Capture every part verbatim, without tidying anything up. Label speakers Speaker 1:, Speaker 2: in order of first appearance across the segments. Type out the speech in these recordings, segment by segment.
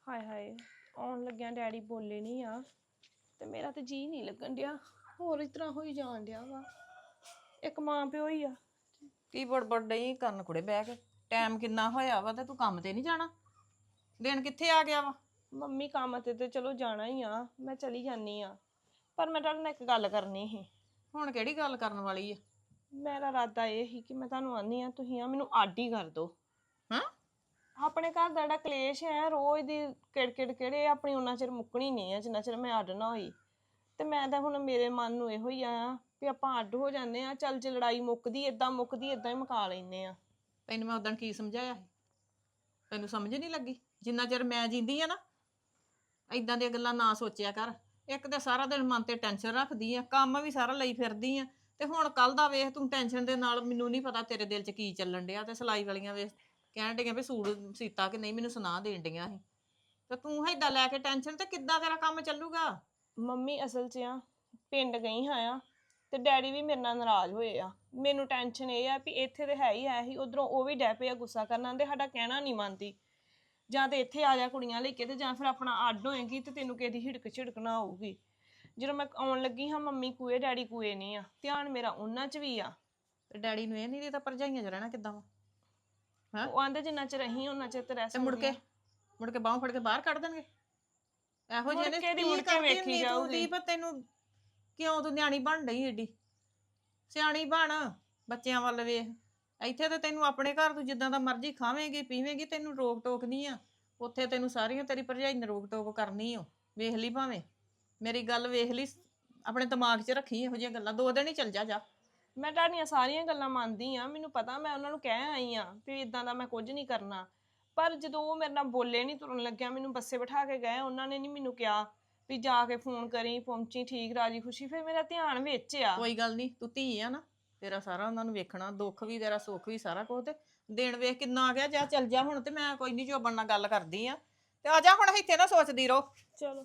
Speaker 1: ਹਾਏ ਹਾਏ ਆਉਣ ਲੱਗਿਆ ਡੈਡੀ ਬੋਲੇ ਨਹੀਂ ਆ ਤੇ ਮੇਰਾ ਤੇ ਜੀ ਨਹੀਂ ਲੱਗਣ ਡਿਆ। ਹੋਰ ਇਸ ਤਰ੍ਹਾਂ ਹੋਈ ਜਾਣ ਡਿਆ ਵਾ। ਇੱਕ ਮਾਂ ਪਿਓ ਹੀ ਆ।
Speaker 2: ਕੀ ਬੜਬੜ ਡਈ ਕਰਨ ਕੁੜੇ ਬਹਿ ਕੇ? ਟਾਈਮ ਕਿੰਨਾ ਹੋਇਆ ਵਾ ਤੇ ਤੂੰ ਕੰਮ ਤੇ ਨਹੀਂ ਜਾਣਾ? ਦਿਨ ਕਿੱਥੇ ਆ ਗਿਆ ਵਾ?
Speaker 1: ਮੰਮੀ ਕੰਮ ਤੇ ਤੇ ਚਲੋ ਜਾਣਾ ਹੀ ਆ, ਮੈਂ ਚਲੀ ਜਾਨੀ ਆ, ਪਰ ਮੈਂ ਤੁਹਾਡੇ ਨਾਲ ਇੱਕ ਗੱਲ ਕਰਨੀ ਸੀ।
Speaker 2: ਹੁਣ ਕਿਹੜੀ ਗੱਲ ਕਰਨ ਵਾਲੀ ਆ?
Speaker 1: ਮੇਰਾ ਇਰਾਦਾ ਇਹ ਸੀ ਕਿ ਮੈਂ ਤੁਹਾਨੂੰ ਆਨੀ ਆ, ਤੁਸੀਂ ਆ ਮੈਨੂੰ ਅੱਡ ਹੀ ਕਰ ਦਿਓ।
Speaker 2: ਹਾਂ
Speaker 1: ਆਪਣੇ ਘਰ ਦਾ ਜਿਹੜਾ ਕਲੇਸ਼ ਹੈ ਰੋਜ਼ ਦੀ ਕਿੜਕਿੜ ਕਿਹੜੇ ਆਪਣੀ ਉਹਨਾਂ ਚਿਰ ਮੁੱਕਣੀ ਨਹੀਂ ਆ ਜਿੰਨਾ ਚਿਰ ਮੈਂ ਅੱਡ ਨਾ ਹੋਈ। ਤੇ ਮੈਂ ਤਾਂ ਹੁਣ ਮੇਰੇ ਮਨ ਨੂੰ ਇਹੋ ਹੀ ਆ ਵੀ ਆਪਾਂ ਅੱਡ ਹੋ ਜਾਂਦੇ ਆ, ਚੱਲ ਜੇ ਲੜਾਈ ਮੁੱਕਦੀ ਏਦਾਂ ਮੁੱਕਦੀ ਏਦਾਂ ਹੀ ਮੁਕਾ ਲੈਨੇ ਆ।
Speaker 2: ਤੈਨੂੰ ਮੈਂ ਉਦੋਂ ਕੀ ਸਮਝਾਇਆ ਸੀ? ਤੈਨੂੰ ਸਮਝ ਨਹੀਂ ਲੱਗੀ? ਜਿੰਨਾ ਚਿਰ ਮੈਂ ਜਿੰਦੀ ਆ ਨਾ ਏਦਾਂ ਦੀਆਂ ਗੱਲਾਂ ਨਾ ਸੋਚਿਆ ਕਰ। ਇੱਕ ਤਾਂ ਸਾਰਾ ਦਿਨ ਮਨ ਤੇ ਟੈਨਸ਼ਨ ਰੱਖਦੀ ਆ, ਕੰਮ ਵੀ ਸਾਰਾ ਲਈ ਫਿਰਦੀ ਆ, ਤੇ ਹੁਣ ਕੱਲ ਦਾ ਵੇਖ ਤੂੰ ਟੈਨਸ਼ਨ ਦੇ ਨਾਲ, ਮੈਨੂੰ ਨਹੀਂ ਪਤਾ ਤੇਰੇ ਦਿਲ 'ਚ ਕੀ ਚੱਲਣ ਡਿਆ। ਤੇ ਸਿਲਾਈ ਵਾਲੀਆਂ ਵੇਖ ਕਹਿਣ ਡੀਆਂ ਵੀ ਸੂਟ ਸੀਤਾ ਕਿ ਨਹੀਂ, ਮੈਨੂੰ ਸੁਣਾ ਦੇਣ ਡੀਆਂ ਸੀ। ਤੇ ਤੂੰ ਏਦਾਂ ਲੈ ਕੇ ਟੈਨਸ਼ਨ, ਤੇ ਕਿੱਦਾਂ ਤੇਰਾ ਕੰਮ ਚੱਲੂਗਾ?
Speaker 1: ਮੰਮੀ ਅਸਲ 'ਚ ਆ ਪਿੰਡ ਗਈ ਹਾਂ ਆ ਤੇ ਡੈਡੀ ਵੀ ਮੇਰੇ ਨਾਲ ਨਾਰਾਜ਼ ਹੋਏ ਆ। ਮੈਨੂੰ ਟੈਨਸ਼ਨ ਇਹ ਆ ਵੀ ਇੱਥੇ ਤੇ ਹੈ ਹੀ ਹੈ ਹੀ, ਉਧਰੋਂ ਉਹ ਵੀ ਡੈ ਪਏ ਆ ਗੁੱਸਾ ਕਰਨਾ ਤੇ ਸਾਡਾ ਕਹਿਣਾ ਨਹੀਂ ਮੰਨਦੀ। ਜਾਂ ਤੇ ਇੱਥੇ ਆ ਜਾ ਕੁੜੀਆਂ ਲੈ ਕੇ, ਤੇ ਜਾਂ ਫਿਰ ਆਪਣਾ ਅੱਡ ਹੋਏਗੀ ਤੇ ਤੈਨੂੰ ਕਿਸੇ ਦੀ ਹਿੜਕ ਝਿੜਕ ਨਾ ਆਊਗੀ। ਜਦੋਂ ਮੈਂ ਆਉਣ ਲੱਗੀ ਹਾਂ ਮੰਮੀ ਕੂਏ ਡੈਡੀ ਕੂਏ ਨਹੀਂ ਆ, ਧਿਆਨ ਮੇਰਾ ਉਹਨਾਂ 'ਚ ਵੀ ਆ।
Speaker 2: ਤੇ ਡੈਡੀ ਨੂੰ ਇਹ ਨਹੀਂ ਤਾਂ ਭਰਜਾਈਆਂ 'ਚ ਰਹਿਣਾ ਕਿੱਦਾਂ ਵਾ? ਹਾਂ
Speaker 1: ਉਹ ਆਂਦੇ ਜਿੰਨਾ ਚਿਰ ਰਹੀ ਉਹਨਾਂ ਚਿਰ ਤੇ ਰਹਿ
Speaker 2: ਤੇ ਮੁੜ
Speaker 1: ਸਕਦੇ
Speaker 2: ਕੇ ਮੁੜ ਕੇ ਬਾਹੋਂ ਫੜ ਕੇ ਬਾਹਰ ਕੱਢ ਦੇਣਗੇ ਇਹੋ ਜਿਹੇ ਨੇ?
Speaker 1: ਮੁੜ ਕੇ ਦੀ
Speaker 2: ਕੀ
Speaker 1: ਮੁੜ ਕੇ
Speaker 2: ਕਰਦੀ
Speaker 1: ਵੇਖੀ
Speaker 2: ਹੁੰਦੀ ਤੂੰ
Speaker 1: ਜਾਊਗੀ।
Speaker 2: ਦੀਪ? ਤੈਨੂੰ ਕਿਉਂ ਤੂੰ ਨਿਆਣੀ ਬਣ ਡਈ ਏਡੀ? ਸਿਆਣੀ ਬਣ, ਬੱਚਿਆਂ ਵੱਲ ਵੇਖ। ਇੱਥੇ ਤੇ ਤੈਨੂੰ ਆਪਣੇ ਘਰ ਤੂੰ ਜਿੱਦਾਂ ਦਾ ਮਰਜ਼ੀ ਖਾਵੇਂਗੀ ਪੀਵੇਂਗੀ, ਤੈਨੂੰ ਰੋਕ ਟੋਕ ਨਹੀਂ ਆ। ਉੱਥੇ ਤੈਨੂੰ ਸਾਰੀਆਂ ਤੇਰੀ ਭਰਜਾਈ ਨੇ ਰੋਕ ਟੋਕ ਕਰਨੀ ਓ। ਵੇਖ ਲਈ ਭਾਵੇਂ, ਮੇਰੀ ਗੱਲ ਵੇਖ ਲਈ, ਆਪਣੇ ਦਿਮਾਗ 'ਚ ਰੱਖੀ ਇਹੋ ਜਿਹੀਆਂ ਗੱਲਾਂ। ਦੋ ਦਿਨ ਹੀ ਚੱਲ ਜਾ ਜਾ।
Speaker 1: ਮੈਂ ਤੁਹਾਡੀਆਂ ਸਾਰੀਆਂ ਗੱਲਾਂ ਮੰਨਦੀ ਆ, ਮੈਨੂੰ ਪਤਾ, ਮੈਂ ਉਹਨਾਂ ਨੂੰ ਕਹਿ ਆਈ ਆ ਵੀ ਇਦਾਂ ਦਾ ਮੈਂ ਕੁਝ ਨਹੀਂ ਕਰਨਾ। ਪਰ ਜਦੋਂ ਉਹ ਮੇਰੇ ਨਾਲ ਬੋਲੇ ਨਹੀਂ ਤੁਰਨ ਲੱਗਿਆ, ਮੈਨੂੰ ਬੱਸੇ ਬਿਠਾ ਕੇ ਗਏ, ਉਹਨਾਂ ਨੇ ਨਹੀਂ ਮੈਨੂੰ ਕਿਹਾ ਵੀ ਜਾ ਕੇ ਫੋਨ ਕਰੀ ਪਹੁੰਚੀ ਠੀਕ ਰਾਜੀ ਖੁਸ਼ੀ। ਫਿਰ ਮੇਰਾ ਧਿਆਨ ਵਿੱਚ ਆ।
Speaker 2: ਕੋਈ ਗੱਲ ਨਹੀਂ, ਤੂੰ ਧੀ ਆ ਨਾ, ਤੇਰਾ ਸਾਰਾ ਉਹਨਾਂ ਨੂੰ ਵੇਖਣਾ, ਦੁੱਖ ਵੀ ਤੇਰਾ ਸੁੱਖ ਵੀ ਸਾਰਾ ਕੁਝ। ਤੇ ਦਿਨ ਵੇਖ ਕਿੰਨਾ ਆ ਗਿਆ, ਜਾ ਚੱਲ ਜਾ ਹੁਣ। ਤੇ ਮੈਂ ਕੋਈ ਨਹੀਂ ਜੋਬਨ ਨਾਲ ਗੱਲ ਕਰਦੀ ਆ, ਤੇ ਆ ਜਾ ਹੁਣ, ਇੱਥੇ ਨਾ ਸੋਚਦੀ ਰਹੋ।
Speaker 1: ਚਲੋ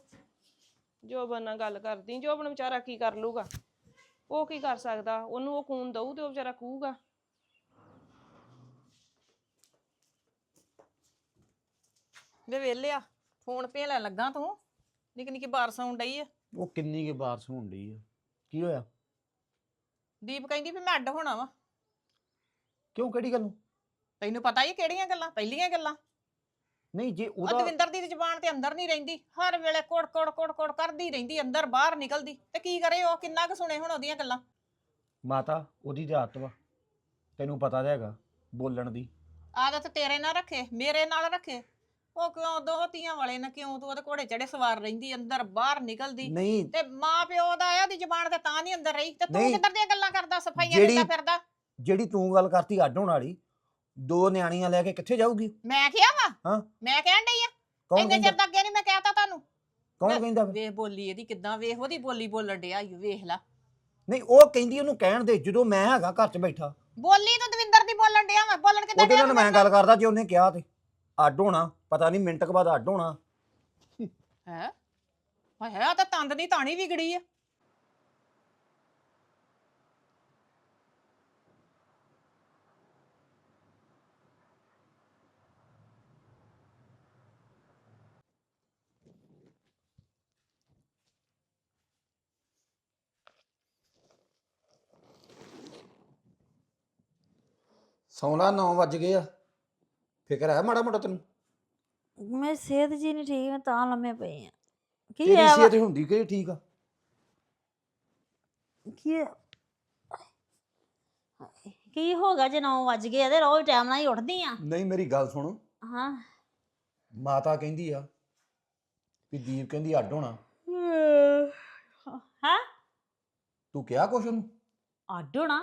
Speaker 1: ਜੋਬਨ ਨਾਲ ਗੱਲ ਕਰਦੀ। ਜੋਬਨ ਵਿਚਾਰਾ ਕੀ ਕਰ ਲੂਗਾ? ਉਹ ਕੀ ਕਰ ਸਕਦਾ? ਉਹਨੂੰ ਉਹ ਖੂਨ ਦਊ ਤੇ ਉਹ ਵਿਚਾਰਾ ਕਹੂਗਾ।
Speaker 2: ਵੇ ਵੇਲਿਆ, ਫੋਨ ਭੇਲਣ ਲੱਗਾ ਤੂੰ? ਨਿੱਕੀ ਨਿੱਕੀ ਬਾਰਸ ਆਉਣ ਡਈ ਆ।
Speaker 3: ਉਹ ਕਿੰਨੀ ਕੁ ਬਾਰਿਸ਼ ਹੋਣ ਡਈ ਆ? ਕੀ ਹੋਇਆ?
Speaker 2: ਦੀਪ ਕਹਿੰਦੀ ਵੀ ਮੈਂ ਅੱਡ ਹੋਣਾ ਵਾ।
Speaker 3: ਕਿਉਂ, ਕਿਹੜੀ ਗੱਲ ਨੂੰ?
Speaker 2: ਤੈਨੂੰ ਪਤਾ ਹੀ ਕਿਹੜੀਆਂ ਗੱਲਾਂ, ਪਹਿਲੀਆਂ ਗੱਲਾਂ।
Speaker 3: ਨਹੀਂ ਜੇ
Speaker 2: ਉਹ
Speaker 3: ਉਹਦਾ
Speaker 2: ਦਵਿੰਦਰ ਦੀ ਜ਼ੁਬਾਨ ਤੇ ਅੰਦਰ ਨਹੀਂ ਰਹਿੰਦੀ, ਹਰ ਵੇਲੇ ਕੋੜ ਕੋੜ ਕੋੜ ਕੋੜ ਕਰਦੀ ਰਹਿੰਦੀ, ਅੰਦਰ ਬਾਹਰ ਨਿਕਲਦੀ। ਤੇ ਕੀ ਕਰੇ ਉਹ? ਕਿੰਨਾ ਕੁ ਸੁਣੇ ਹੁਣ ਉਹਦੀਆਂ ਗੱਲਾਂ?
Speaker 3: ਮਾਤਾ ਉਹਦੀ ਤੇ ਆਦਤ ਵਾ, ਤੈਨੂੰ ਪਤਾ ਤਾਂ ਹੈਗਾ ਬੋਲਣ ਦੀ।
Speaker 2: ਆਦਤ ਤੇਰੇ ਨਾਲ ਰੱਖੇ, ਮੇਰੇ ਨਾਲ ਰੱਖੇ? ਉਹ ਕਿਉਂ ਦੋ ਧੀਆਂ ਵਾਲੇ ਨੇ, ਕਿਉਂ ਤੂੰ ਉਹਦੇ ਘੋੜੇ ਚੜੇ ਸਵਾਰ ਰਹਿੰਦੀ, ਅੰਦਰ ਬਾਹਰ ਨਿਕਲਦੀ?
Speaker 3: ਨਹੀਂ
Speaker 2: ਤੇ ਮਾਂ ਪਿਓ ਦਾ ਆਇਆ ਦੀ ਜ਼ੁਬਾਨ ਤੇ ਤਾਂ ਨਹੀਂ ਅੰਦਰ ਰਹੀ, ਤੇ ਤੂੰ
Speaker 3: ਨਹੀਂ,
Speaker 2: ਕਿੱਧਰ ਦੀਆਂ ਗੱਲਾਂ ਕਰਦਾ, ਸਫਾਈਆਂ
Speaker 3: ਜਿਹੜੀ
Speaker 2: ਦਿੰਦਾ ਫਿਰਦਾ?
Speaker 3: ਜਿਹੜੀ ਤੂੰ ਗੱਲ ਕਰਤੀ ਅੱਡ ਹੋਣ ਵਾਲੀ, ਦੋ ਨਿਆਣੀਆਂ ਲੈ ਕੇ ਕਿੱਥੇ ਜਾਊਗੀ?
Speaker 2: ਮੈਂ ਕਿਹਾ ਵਾ?
Speaker 3: ਹਾਂ
Speaker 2: ਮੈਂ ਕਹਿਣ ਡਈ ਆ?
Speaker 3: ਕੌਣ
Speaker 2: ਇੰਨੇ
Speaker 3: ਕਹਿੰਦਾ?
Speaker 2: ਚਿਰ ਤੱਕ ਅੱਗੇ ਨਹੀਂ ਮੈਂ ਕਹਿਤਾ ਤੁਹਾਨੂੰ?
Speaker 3: ਕੌਣ ਕਹਿੰਦਾ ਵਾ?
Speaker 2: ਵੇਖ ਬੋਲੀ ਇਹਦੀ ਕਿੱਦਾਂ, ਵੇਖ ਉਹਦੀ ਬੋਲੀ ਬੋਲਣ ਡਿਆ ਈ, ਵੇਖ ਲਾ।
Speaker 3: ਨਹੀਂ ਉਹ ਕਹਿੰਦੀ ਉਹਨੂੰ ਕਹਿਣ ਦੇ, ਜਦੋਂ ਮੈਂ ਹੈਗਾ ਘਰ 'ਚ ਬੈਠਾ।
Speaker 2: ਬੋਲੀ ਤੂੰ ਦਵਿੰਦਰ ਦੀ ਬੋਲਣ ਡਿਆ ਵਾ, ਬੋਲਣ ਕਿੱਦਾਂ
Speaker 3: ਉਹਦੇ
Speaker 2: ਡਿਆ
Speaker 3: ਨਾਲ
Speaker 2: ਤੂੰ
Speaker 3: ਮੈਂ ਗੱਲ ਕਰਦਾ, ਜੇ ਉਹਨੇ ਕਿਹਾ ਤੇ ਅੱਡ ਹੋਣਾ, ਪਤਾ ਨਹੀਂ ਮਿੰਟ ਕੁ ਬਾਅਦ ਅੱਡ ਹੋਣਾ।
Speaker 2: ਹੈ? ਹਾਏ ਆ ਤਾਂ ਤੰਦ ਦੀ ਤਾਣੀ ਵਿਗੜੀ ਆ।
Speaker 3: ਸੌਣਾ ਨੌ ਵੱਜ ਗਏ ਆ, ਫਿਕਰ ਹੈ ਮਾੜਾ ਮੋਟਾ ਤੈਨੂੰ?
Speaker 4: ਮੇਰੀ ਸਿਹਤ ਜੀ ਨਹੀਂ ਠੀਕ, ਮੈਂ ਤਾਂ ਲੰਮੇ ਪਈ ਆ। ਕੀ
Speaker 3: ਤੇਰੀ
Speaker 4: ਹੈ
Speaker 3: ਸਿਹਤ ਹੁੰਦੀ ਕਿ ਠੀਕ ਆ?
Speaker 4: ਕੀ ਕੀ ਹੋ ਗਿਆ ਜੇ ਨੌ ਵੱਜ ਗਏ ਤੇ ਰੋਜ਼ ਟਾਈਮ ਨਾਲ ਹੀ ਉੱਠਦੀ ਆ?
Speaker 3: ਨਹੀਂ ਮੇਰੀ ਗੱਲ ਸੁਣ,
Speaker 4: ਹਾਂ
Speaker 3: ਮਾਤਾ ਕਹਿੰਦੀ ਆ ਵੀ ਦੀਪ ਕਹਿੰਦੀ ਅੱਡ ਹੋਣਾ।
Speaker 4: ਹਾਂ
Speaker 3: ਤੂੰ ਕਿਹਾ ਕੁਛ ਉਹਨੂੰ?
Speaker 4: ਅੱਡ ਹੋਣਾ?